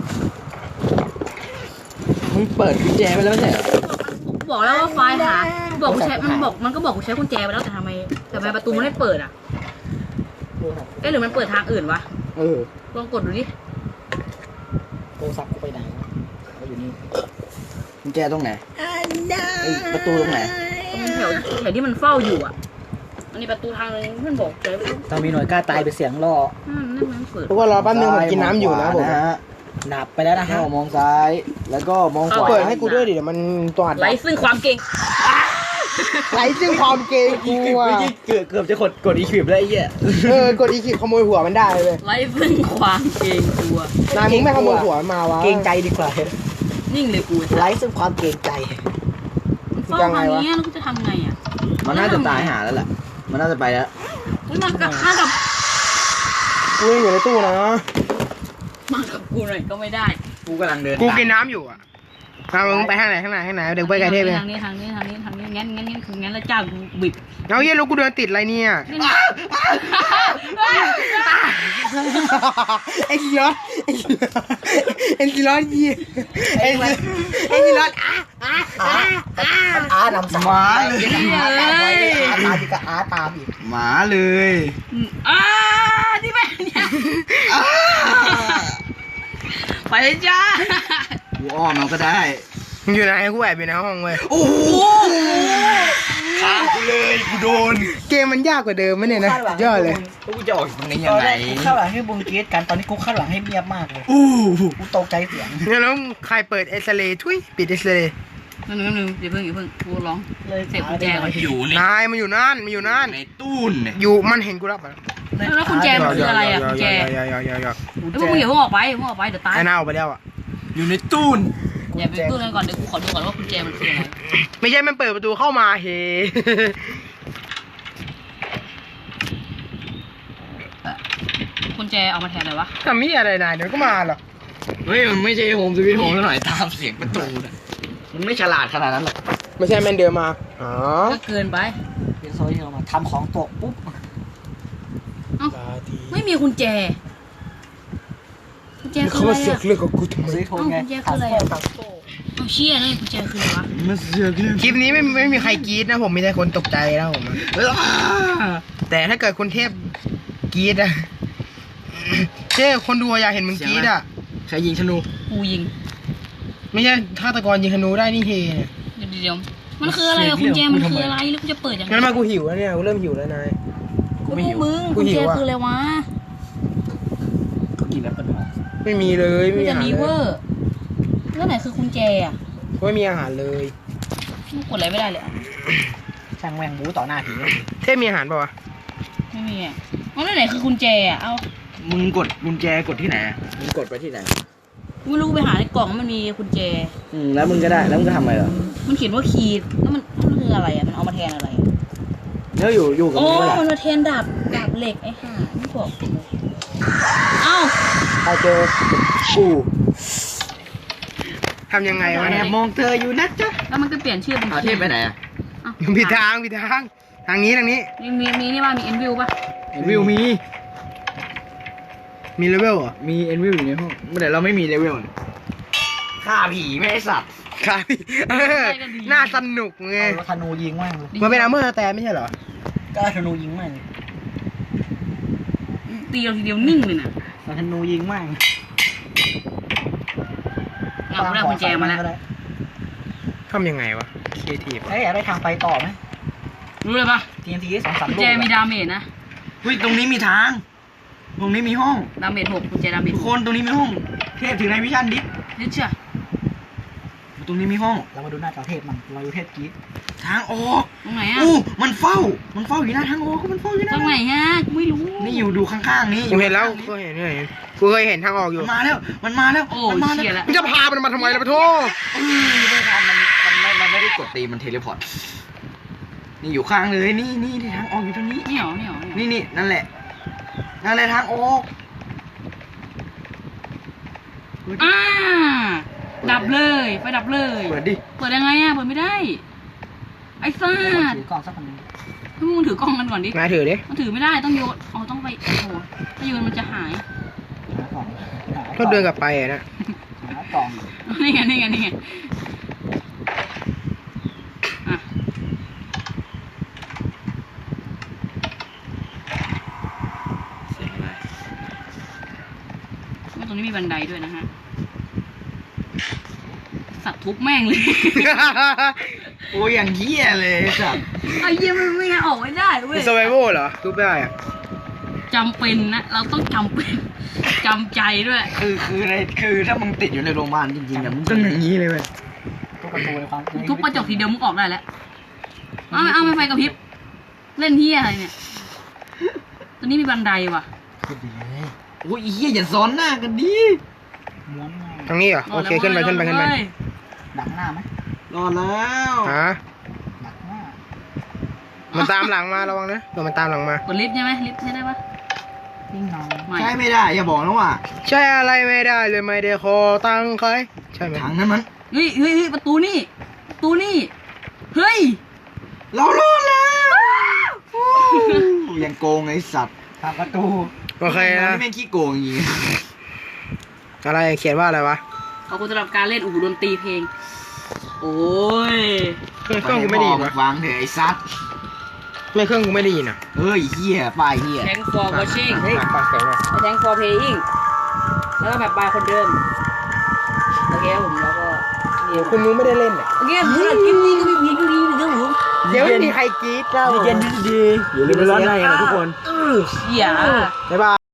Speaker 4: มึงเปิดกุญแจไปแล้วใช่เหรอ
Speaker 1: บอกแล้วว่าไฟล์หาบอกกูใช้มันบอกมันก็บอกกูใช้กุญแจไปแล้วแต่ทำไมแต่ทำไมประตูมันไม่เปิดอ่ะเอ๊ะหรือมันเปิดทางอื่นวะ
Speaker 4: เออ
Speaker 1: ลองกดดูดิ
Speaker 4: โทรศัพท์กูไปไหนวะเขาอยู่นี่กุญแจตรงไหนไอ้ประตูตรงไหน
Speaker 1: ตรงแถวแถวที่มันเฝ้าอยู่อ่ะอันนี้ประตูทางนึงเพื่อนบอกใจว่า
Speaker 4: ถ้ามีหน่วยกล้าตายไปเสียงล่อ
Speaker 1: นั่นนั่นมันเปิด
Speaker 3: พวกเรารอแป๊บนึงผมกินน้ำอยู่นะผม
Speaker 4: หนับไปแล้วนะฮะมองซ้ายแล้วก็มองขวา
Speaker 3: เปิดให้กูด้วยดิเดี๋ยวมันตัวอัด
Speaker 1: ไร้ซึ่งความเก่ง
Speaker 3: ไหลซึ่งความเกรงกูอ่ะ
Speaker 4: เกือบเกือบจะกดกดอีคลิปแล้วไอ้เหี้ย
Speaker 3: เออกดอีคิดขโมยหัวมันได้เลย
Speaker 1: ไร้ซึ่งความเก่งกลัวน
Speaker 3: ายมึงไม่ขโมยหัวมันมาวะ
Speaker 4: เกรงใจดีกว่า
Speaker 1: นิ่งเลยกู
Speaker 4: ไร้ซึ่งความเกรงใจ
Speaker 1: มันเฝ้าทางนี้แล้วกูจะทำไงอ่ะ
Speaker 4: มันน่าจะตายหาแล้วแหละมันน่าจะไปแล้ว
Speaker 1: มันมากับข้ากับ
Speaker 3: กูยังอยู่ในตู้นะ
Speaker 1: มากับกูหน่อยก็ไม่ได้
Speaker 4: กูกำลังเดิน
Speaker 3: กูกินน้ำอยู่อ่ะทางมึงไปข้างไหนข้างไหนข้างไหนเดี๋ยวไปไกลเทพไป
Speaker 1: ทางนี้ทางนี้ทางนี้ทางนี้งั้นงั้นงั้นคืองั้นแล้วจ้ากูบิด
Speaker 3: เอาเยี่ยลูกกูเดินติดอะไรเนี่ย ไอ้ซีรอสไอ้ซีรอสยี่ไอ้ไอ้ซีรอสอ่ะอ่ะอ่ะอ่ะ
Speaker 4: อาร์นำสายอาร์ตามไว้อาร์ตามอีกอาร์ตามอีก
Speaker 2: หมาเลย
Speaker 1: อ่านี่แม่เนี่ยไปเลยจ้า
Speaker 2: กูอ้อมมันก็ได้
Speaker 3: มึงอยู่ไหนกูแอบอยู่ในห้องเว้ย
Speaker 2: โอ้โหฆ่ากูเลยกูโดน
Speaker 3: เกมมันยากกว่าเดิมไหมเนี่ยนะยอดเลย
Speaker 2: กูจะออกตรงนี้
Speaker 4: ต
Speaker 2: ยั
Speaker 4: อง น
Speaker 2: ไง
Speaker 4: แรกกูคาดหวังให้บุงเกตกันตอนนี้กูคาดหวังให้เงียบมากเลย
Speaker 2: อู้
Speaker 4: กูตกใจเสียง
Speaker 3: เนี่ยแล้วใครเปิดเอ็กซเรย์ทุยปิดเอ็กซเรย์
Speaker 1: นั่นนึงนึงอย่าเพิ่งอย่าเพิ่งกูร้อง
Speaker 4: เลย
Speaker 1: เสพกุญแจก่อน
Speaker 2: อยู่ใน
Speaker 3: นายมันอยู่นั่นมันอยู่นั่น
Speaker 2: ในตู้นเนี่ย
Speaker 3: อยู่มันเห็นกูรับมา
Speaker 1: แล้วกุญแจมันคืออะไรอ่ะกุญแจ
Speaker 3: ยอยอยอยอ
Speaker 1: แล้วพวกมึงอย่าเพิ่งออกไปอย่าเพิ่งออกไปเดี๋ยวตาย
Speaker 3: ไอ้หน้าออกไปแล้วอ่ะ
Speaker 2: อยู่ในตู้น
Speaker 1: อย่าไปตู้นั้นก่อนเดี๋ยวกูขอดูก่อนว่ากุญแจมันคืออะไร
Speaker 3: ไม่ใช่มันเปิดประตูเข้ามาเฮ
Speaker 1: กุญแจเอามาแทนอะไรวะ
Speaker 3: ทำมีอะไรนายเดี๋ยวก็มาหรอก
Speaker 2: เฮ้ยมันไม่ใช่โฮมสวีทโฮมซะหน่อยตามเสียงประตูนะมันไม่ฉลาดขนาดนั้นหรอก
Speaker 3: ไม่ใช่แมนเดินมาอ๋อ
Speaker 1: ก็เกินไป
Speaker 4: เป็นโซเชียลมาทำของตกปุ๊บ
Speaker 1: เอ้าไม่มีกุญแจกุญแจคือ
Speaker 3: เขา
Speaker 1: อะไร
Speaker 3: มาเสือก
Speaker 1: อ่ะ
Speaker 3: เรื่องของกูทำไม
Speaker 4: ซื้อโทนไง
Speaker 1: เอ้ากุญแจคืออะไรอะ เอาเชี่ยนั่นกุญแจคืออะไรวะ
Speaker 2: มันเสือกเรื่อง
Speaker 3: คลิปนี้ไม่ไม่มีใครกรี๊ดนะผมมีแต่คนตกใจนะผมอะแต่ถ้าเกิดคุณเทพกรี๊ดอะเจ้คนดูอยากเห็นมึงกรี๊ดอะ
Speaker 2: ใครยิงธนู
Speaker 1: กูยิง
Speaker 3: ไม่ใช่ฆาตกรยิงธนูได้นี่เฮเนี่ย
Speaker 1: เดี๋ยวเดี๋ยวมันคืออะไรอะกุญแจมันคืออะไรแล้วกูจะเปิดยังไง
Speaker 3: งั้นมากูหิวแล้วเนี่ยกูเริ่มหิวแล้วนาย
Speaker 1: กูพวกมึง
Speaker 3: กู
Speaker 1: กุญ
Speaker 3: หิ
Speaker 1: แจ
Speaker 3: วอะ
Speaker 1: คืออะไรวะ
Speaker 2: ก็กินแล้วปะ
Speaker 3: ไม่มีเลยไม่
Speaker 1: มัน
Speaker 3: มี
Speaker 1: จะ
Speaker 3: อาหาร
Speaker 1: มี
Speaker 3: เล
Speaker 1: เวย อร์แล้วไหนคือกุญแจอะ
Speaker 3: ไม่มีอาหารเลย
Speaker 1: กูกดอะไรไม่ได้เลยอะ
Speaker 4: ช่างแมงบูต่อหน้าผี
Speaker 3: เทพมีอาหารป่าวะ
Speaker 1: ไม่มีอะแล้วไหนคือกุญแจอะเอา
Speaker 2: มึงกดกุญแจกดที่ไหน
Speaker 4: มึงกดไปที่ไหน
Speaker 3: ก
Speaker 1: ไม่รู้ไปหาในกล่องมันมีกุญแจ
Speaker 4: อืมแล้วมึงก็ได้แล้วมึงก็ทำอะไรเหรอ
Speaker 1: มันเขียนว่าคีย์แล้วมันมันคืออะไรอ่ะมันเอามาแทนอะไรอะ
Speaker 4: แล้วอยู่อยู่กับ
Speaker 1: โอ้
Speaker 4: มึงเมื่อไหร่
Speaker 1: มันมาแทนดาบดาบเหล็กไอ้ห่าไม่บอกกูเลยเอ้า
Speaker 4: ใครเจอกู
Speaker 3: ทำยังไงวะ
Speaker 2: แอ
Speaker 3: เนี่ย
Speaker 2: บมองเธออยู่นะจ๊ะ
Speaker 1: แล้วมันก็เปลี่ยนชื่อเป็น
Speaker 2: เอาเทพไปไหนอ่ะ
Speaker 1: เอ้า
Speaker 3: ผิดทางผิดทางทางนี้ทางนี้
Speaker 1: มีมีมีนี่ว่ามีเอ็นวิวป่ะ
Speaker 2: เอ็นวิวมี
Speaker 3: มีเลเวลเหรอ
Speaker 2: มีเอ็นวิวอยู่ในห้องแต่เราไม่มีเลเวลฆ่าผีไม่ให้สัตว์
Speaker 3: ครับเออน่าสนุกไง
Speaker 4: เอาธนูยิงแม่งเลย
Speaker 3: มันเป็นอาร์เมอร์แต่ไม่ใช่เหรอ
Speaker 4: ก็เอาธนูยิงแม่ง
Speaker 1: ตีเราทีเดียวนิ่งเลยน่ะ
Speaker 4: เอาธนูยิงแม่ง
Speaker 1: เอาได้กุญแจมาแล้ว
Speaker 3: ทำยังไงวะครีเอทีฟ
Speaker 4: เฮ้ยอยากได้ทางไปต่อไหม
Speaker 1: รู้เลยป่ะ
Speaker 4: ทีนทีสองสาม
Speaker 1: กุญ
Speaker 4: ลูก
Speaker 1: แจมีดาเมจนะ
Speaker 2: เฮ้ยตรงนี้มีทาง ตรงนี้มีห้อง
Speaker 1: ดาเมจหกกุญแจดาเมจ
Speaker 2: ทุก
Speaker 1: ห
Speaker 2: ค
Speaker 1: ก
Speaker 2: นตรงนี้มีห้อง เทพถือในวิชันดิ
Speaker 1: นี่เชื่อ
Speaker 2: ตรงนี้มีห้อง
Speaker 4: เรามาดูหน้าจอเทพมันเราดูเทพกรีด
Speaker 2: ทางออก
Speaker 1: ตรงไหนอ่ะ
Speaker 2: อู้มันเฝ้า มันเฝ้าอยู่หน้าทางออกมันเฝ้าอยู่ห
Speaker 1: ต
Speaker 2: น้า
Speaker 1: รงไหนฮะกูไม่รู้
Speaker 2: นี่อยู่ดูข้างๆนี้
Speaker 3: กูเห็นแล้วกูเห็นเห็นกูเคยเห็นทางออกอยู่
Speaker 2: มันมาแล้ว มันมาแล้ว
Speaker 1: โอ้
Speaker 2: มันมา
Speaker 1: เชี่ย
Speaker 2: แล้ว
Speaker 1: แล้ว
Speaker 3: มึงจะพามันมาทำไมล่ะปะโท
Speaker 2: เออไม่ทันมันมันไม่มันไม่ได้กดตีมันเทเลพอร์ต นี่อยู่ข้างเลย นี่นี่ทางออกอยู่ตรงนี้
Speaker 1: นี่เหรอนี่เหรอนี่เหรอ
Speaker 2: นี่นี่นั่นแหละ นั่นแหละทางออก
Speaker 1: อ่าดับเลยไฟดับเลย
Speaker 2: เปิดดิ
Speaker 1: เปิดยังไงอ่ะเปิดไม่ได้ ไอ้ซ่า
Speaker 4: ถือกล่องสักคนหนึง
Speaker 1: ให้มึงถือกล้องกันก่อนดิ
Speaker 3: มาถือดิ
Speaker 1: มันถือไม่ได้ต้องโยนอ๋อต้องไปโอ้โหถ้าโยนมันจะหาย
Speaker 4: หากล่องหา
Speaker 3: ก็เดินกลับไปอะนะ
Speaker 4: หากล่อง
Speaker 1: นี่ไงนี่ไงนี่ไงอ่ะ
Speaker 2: เสียงอะไร
Speaker 1: ว่าตรงนี้มีบันไดด้วยนะฮะสัตว์ทุบแม่งเลย
Speaker 2: โอ้ยอย่างเหี้ยเลยสัตว์
Speaker 1: ไอ้เยี่ยมันไม่งั้นออกไม่ได้เว้
Speaker 3: มี
Speaker 1: ย
Speaker 3: สไวโวเหรอทุบได้อะ
Speaker 1: จำเป็นนะเราต้องจำเป็นจำใจด้วย
Speaker 2: คือคือในคือถ้ามึงติดอยู่ในโรงพยาบาลจริงๆเนี่ยมึงต้องอย่างนี้เลยเว้ย
Speaker 4: ทุกประตูในความ
Speaker 1: ทุบกระจกทีเดียวมึงออกได้แล้วเอาไม่เอาไม่ไฟกระพริบเล่นที่อะไรเนี่ยตอนนี้มีบันไดว่ะ
Speaker 4: ขึ้นไปเลย
Speaker 2: โอ้ยไอ้เหี้ยอย่าซ้อนหน้ากันดิ
Speaker 4: ม้วนง่าย
Speaker 3: ทางนี้เหรอโอเคขึ้นไปขึ้นไปขึ้นไป
Speaker 4: ดักหน้าไหม
Speaker 2: รอดแล้ว
Speaker 3: ฮะ
Speaker 4: ดักหน้า
Speaker 3: มันตามหลังมาระวังนะเดี๋ยวมันตามหลังมา
Speaker 1: กดลิฟต์ใช่ไหมลิฟต์ใช่ได้ปะ
Speaker 4: วิ่งนอน
Speaker 1: ไม่
Speaker 2: ใช่ไม่ได้อย่าบอกนะว่า
Speaker 3: ใช่อะไรไม่ได้เลยไม่ได้ขอตังค์ใครใช่ไหม
Speaker 2: ทางนั้นมัน
Speaker 1: เฮ้ยเฮ้ยเฮ้ยประตูนี่ประตูนี่เฮ้ย
Speaker 2: เรารอดแล้วยังโกงไอ้สัตว์
Speaker 4: ทางประตู
Speaker 3: โอเคนะ
Speaker 2: นี่แม่งขี้โกงจริง
Speaker 3: อะไรเขียนว่าอะไรวะ
Speaker 1: ขอบคุณสำหรับการเล่นอู่ดนตรีเพลง โอ้ย
Speaker 3: เครื่องเครื่องกูไม่ได้ยินวะ
Speaker 2: วางเถอะไอ้สัตว์
Speaker 3: ไม่เครื่องกูไม่ได้ยินอ่ะ
Speaker 2: เฮ้ยเหี้ยป้ายเหี้ย
Speaker 1: Thanks for watching
Speaker 3: เฮ้ยฟังเสียงหน่อย
Speaker 1: Thanks for playing แล้วก็แบบบายคนเดิม โอเคครับผมแล้วก็
Speaker 3: เดี๋ยวคุณนุ้ไม่ได้เล่นอ่ะ
Speaker 1: โอเคสำหรับคลิปนี้ก็มีเพียงเท่านี้นะครับผม
Speaker 3: เดี๋ยวไม่มีใครกรี๊ดแล้ว
Speaker 2: เย็นดีๆอย่าลืมไปร้อนในกันนะทุกคน
Speaker 1: อย่า
Speaker 3: บ๊ายบาย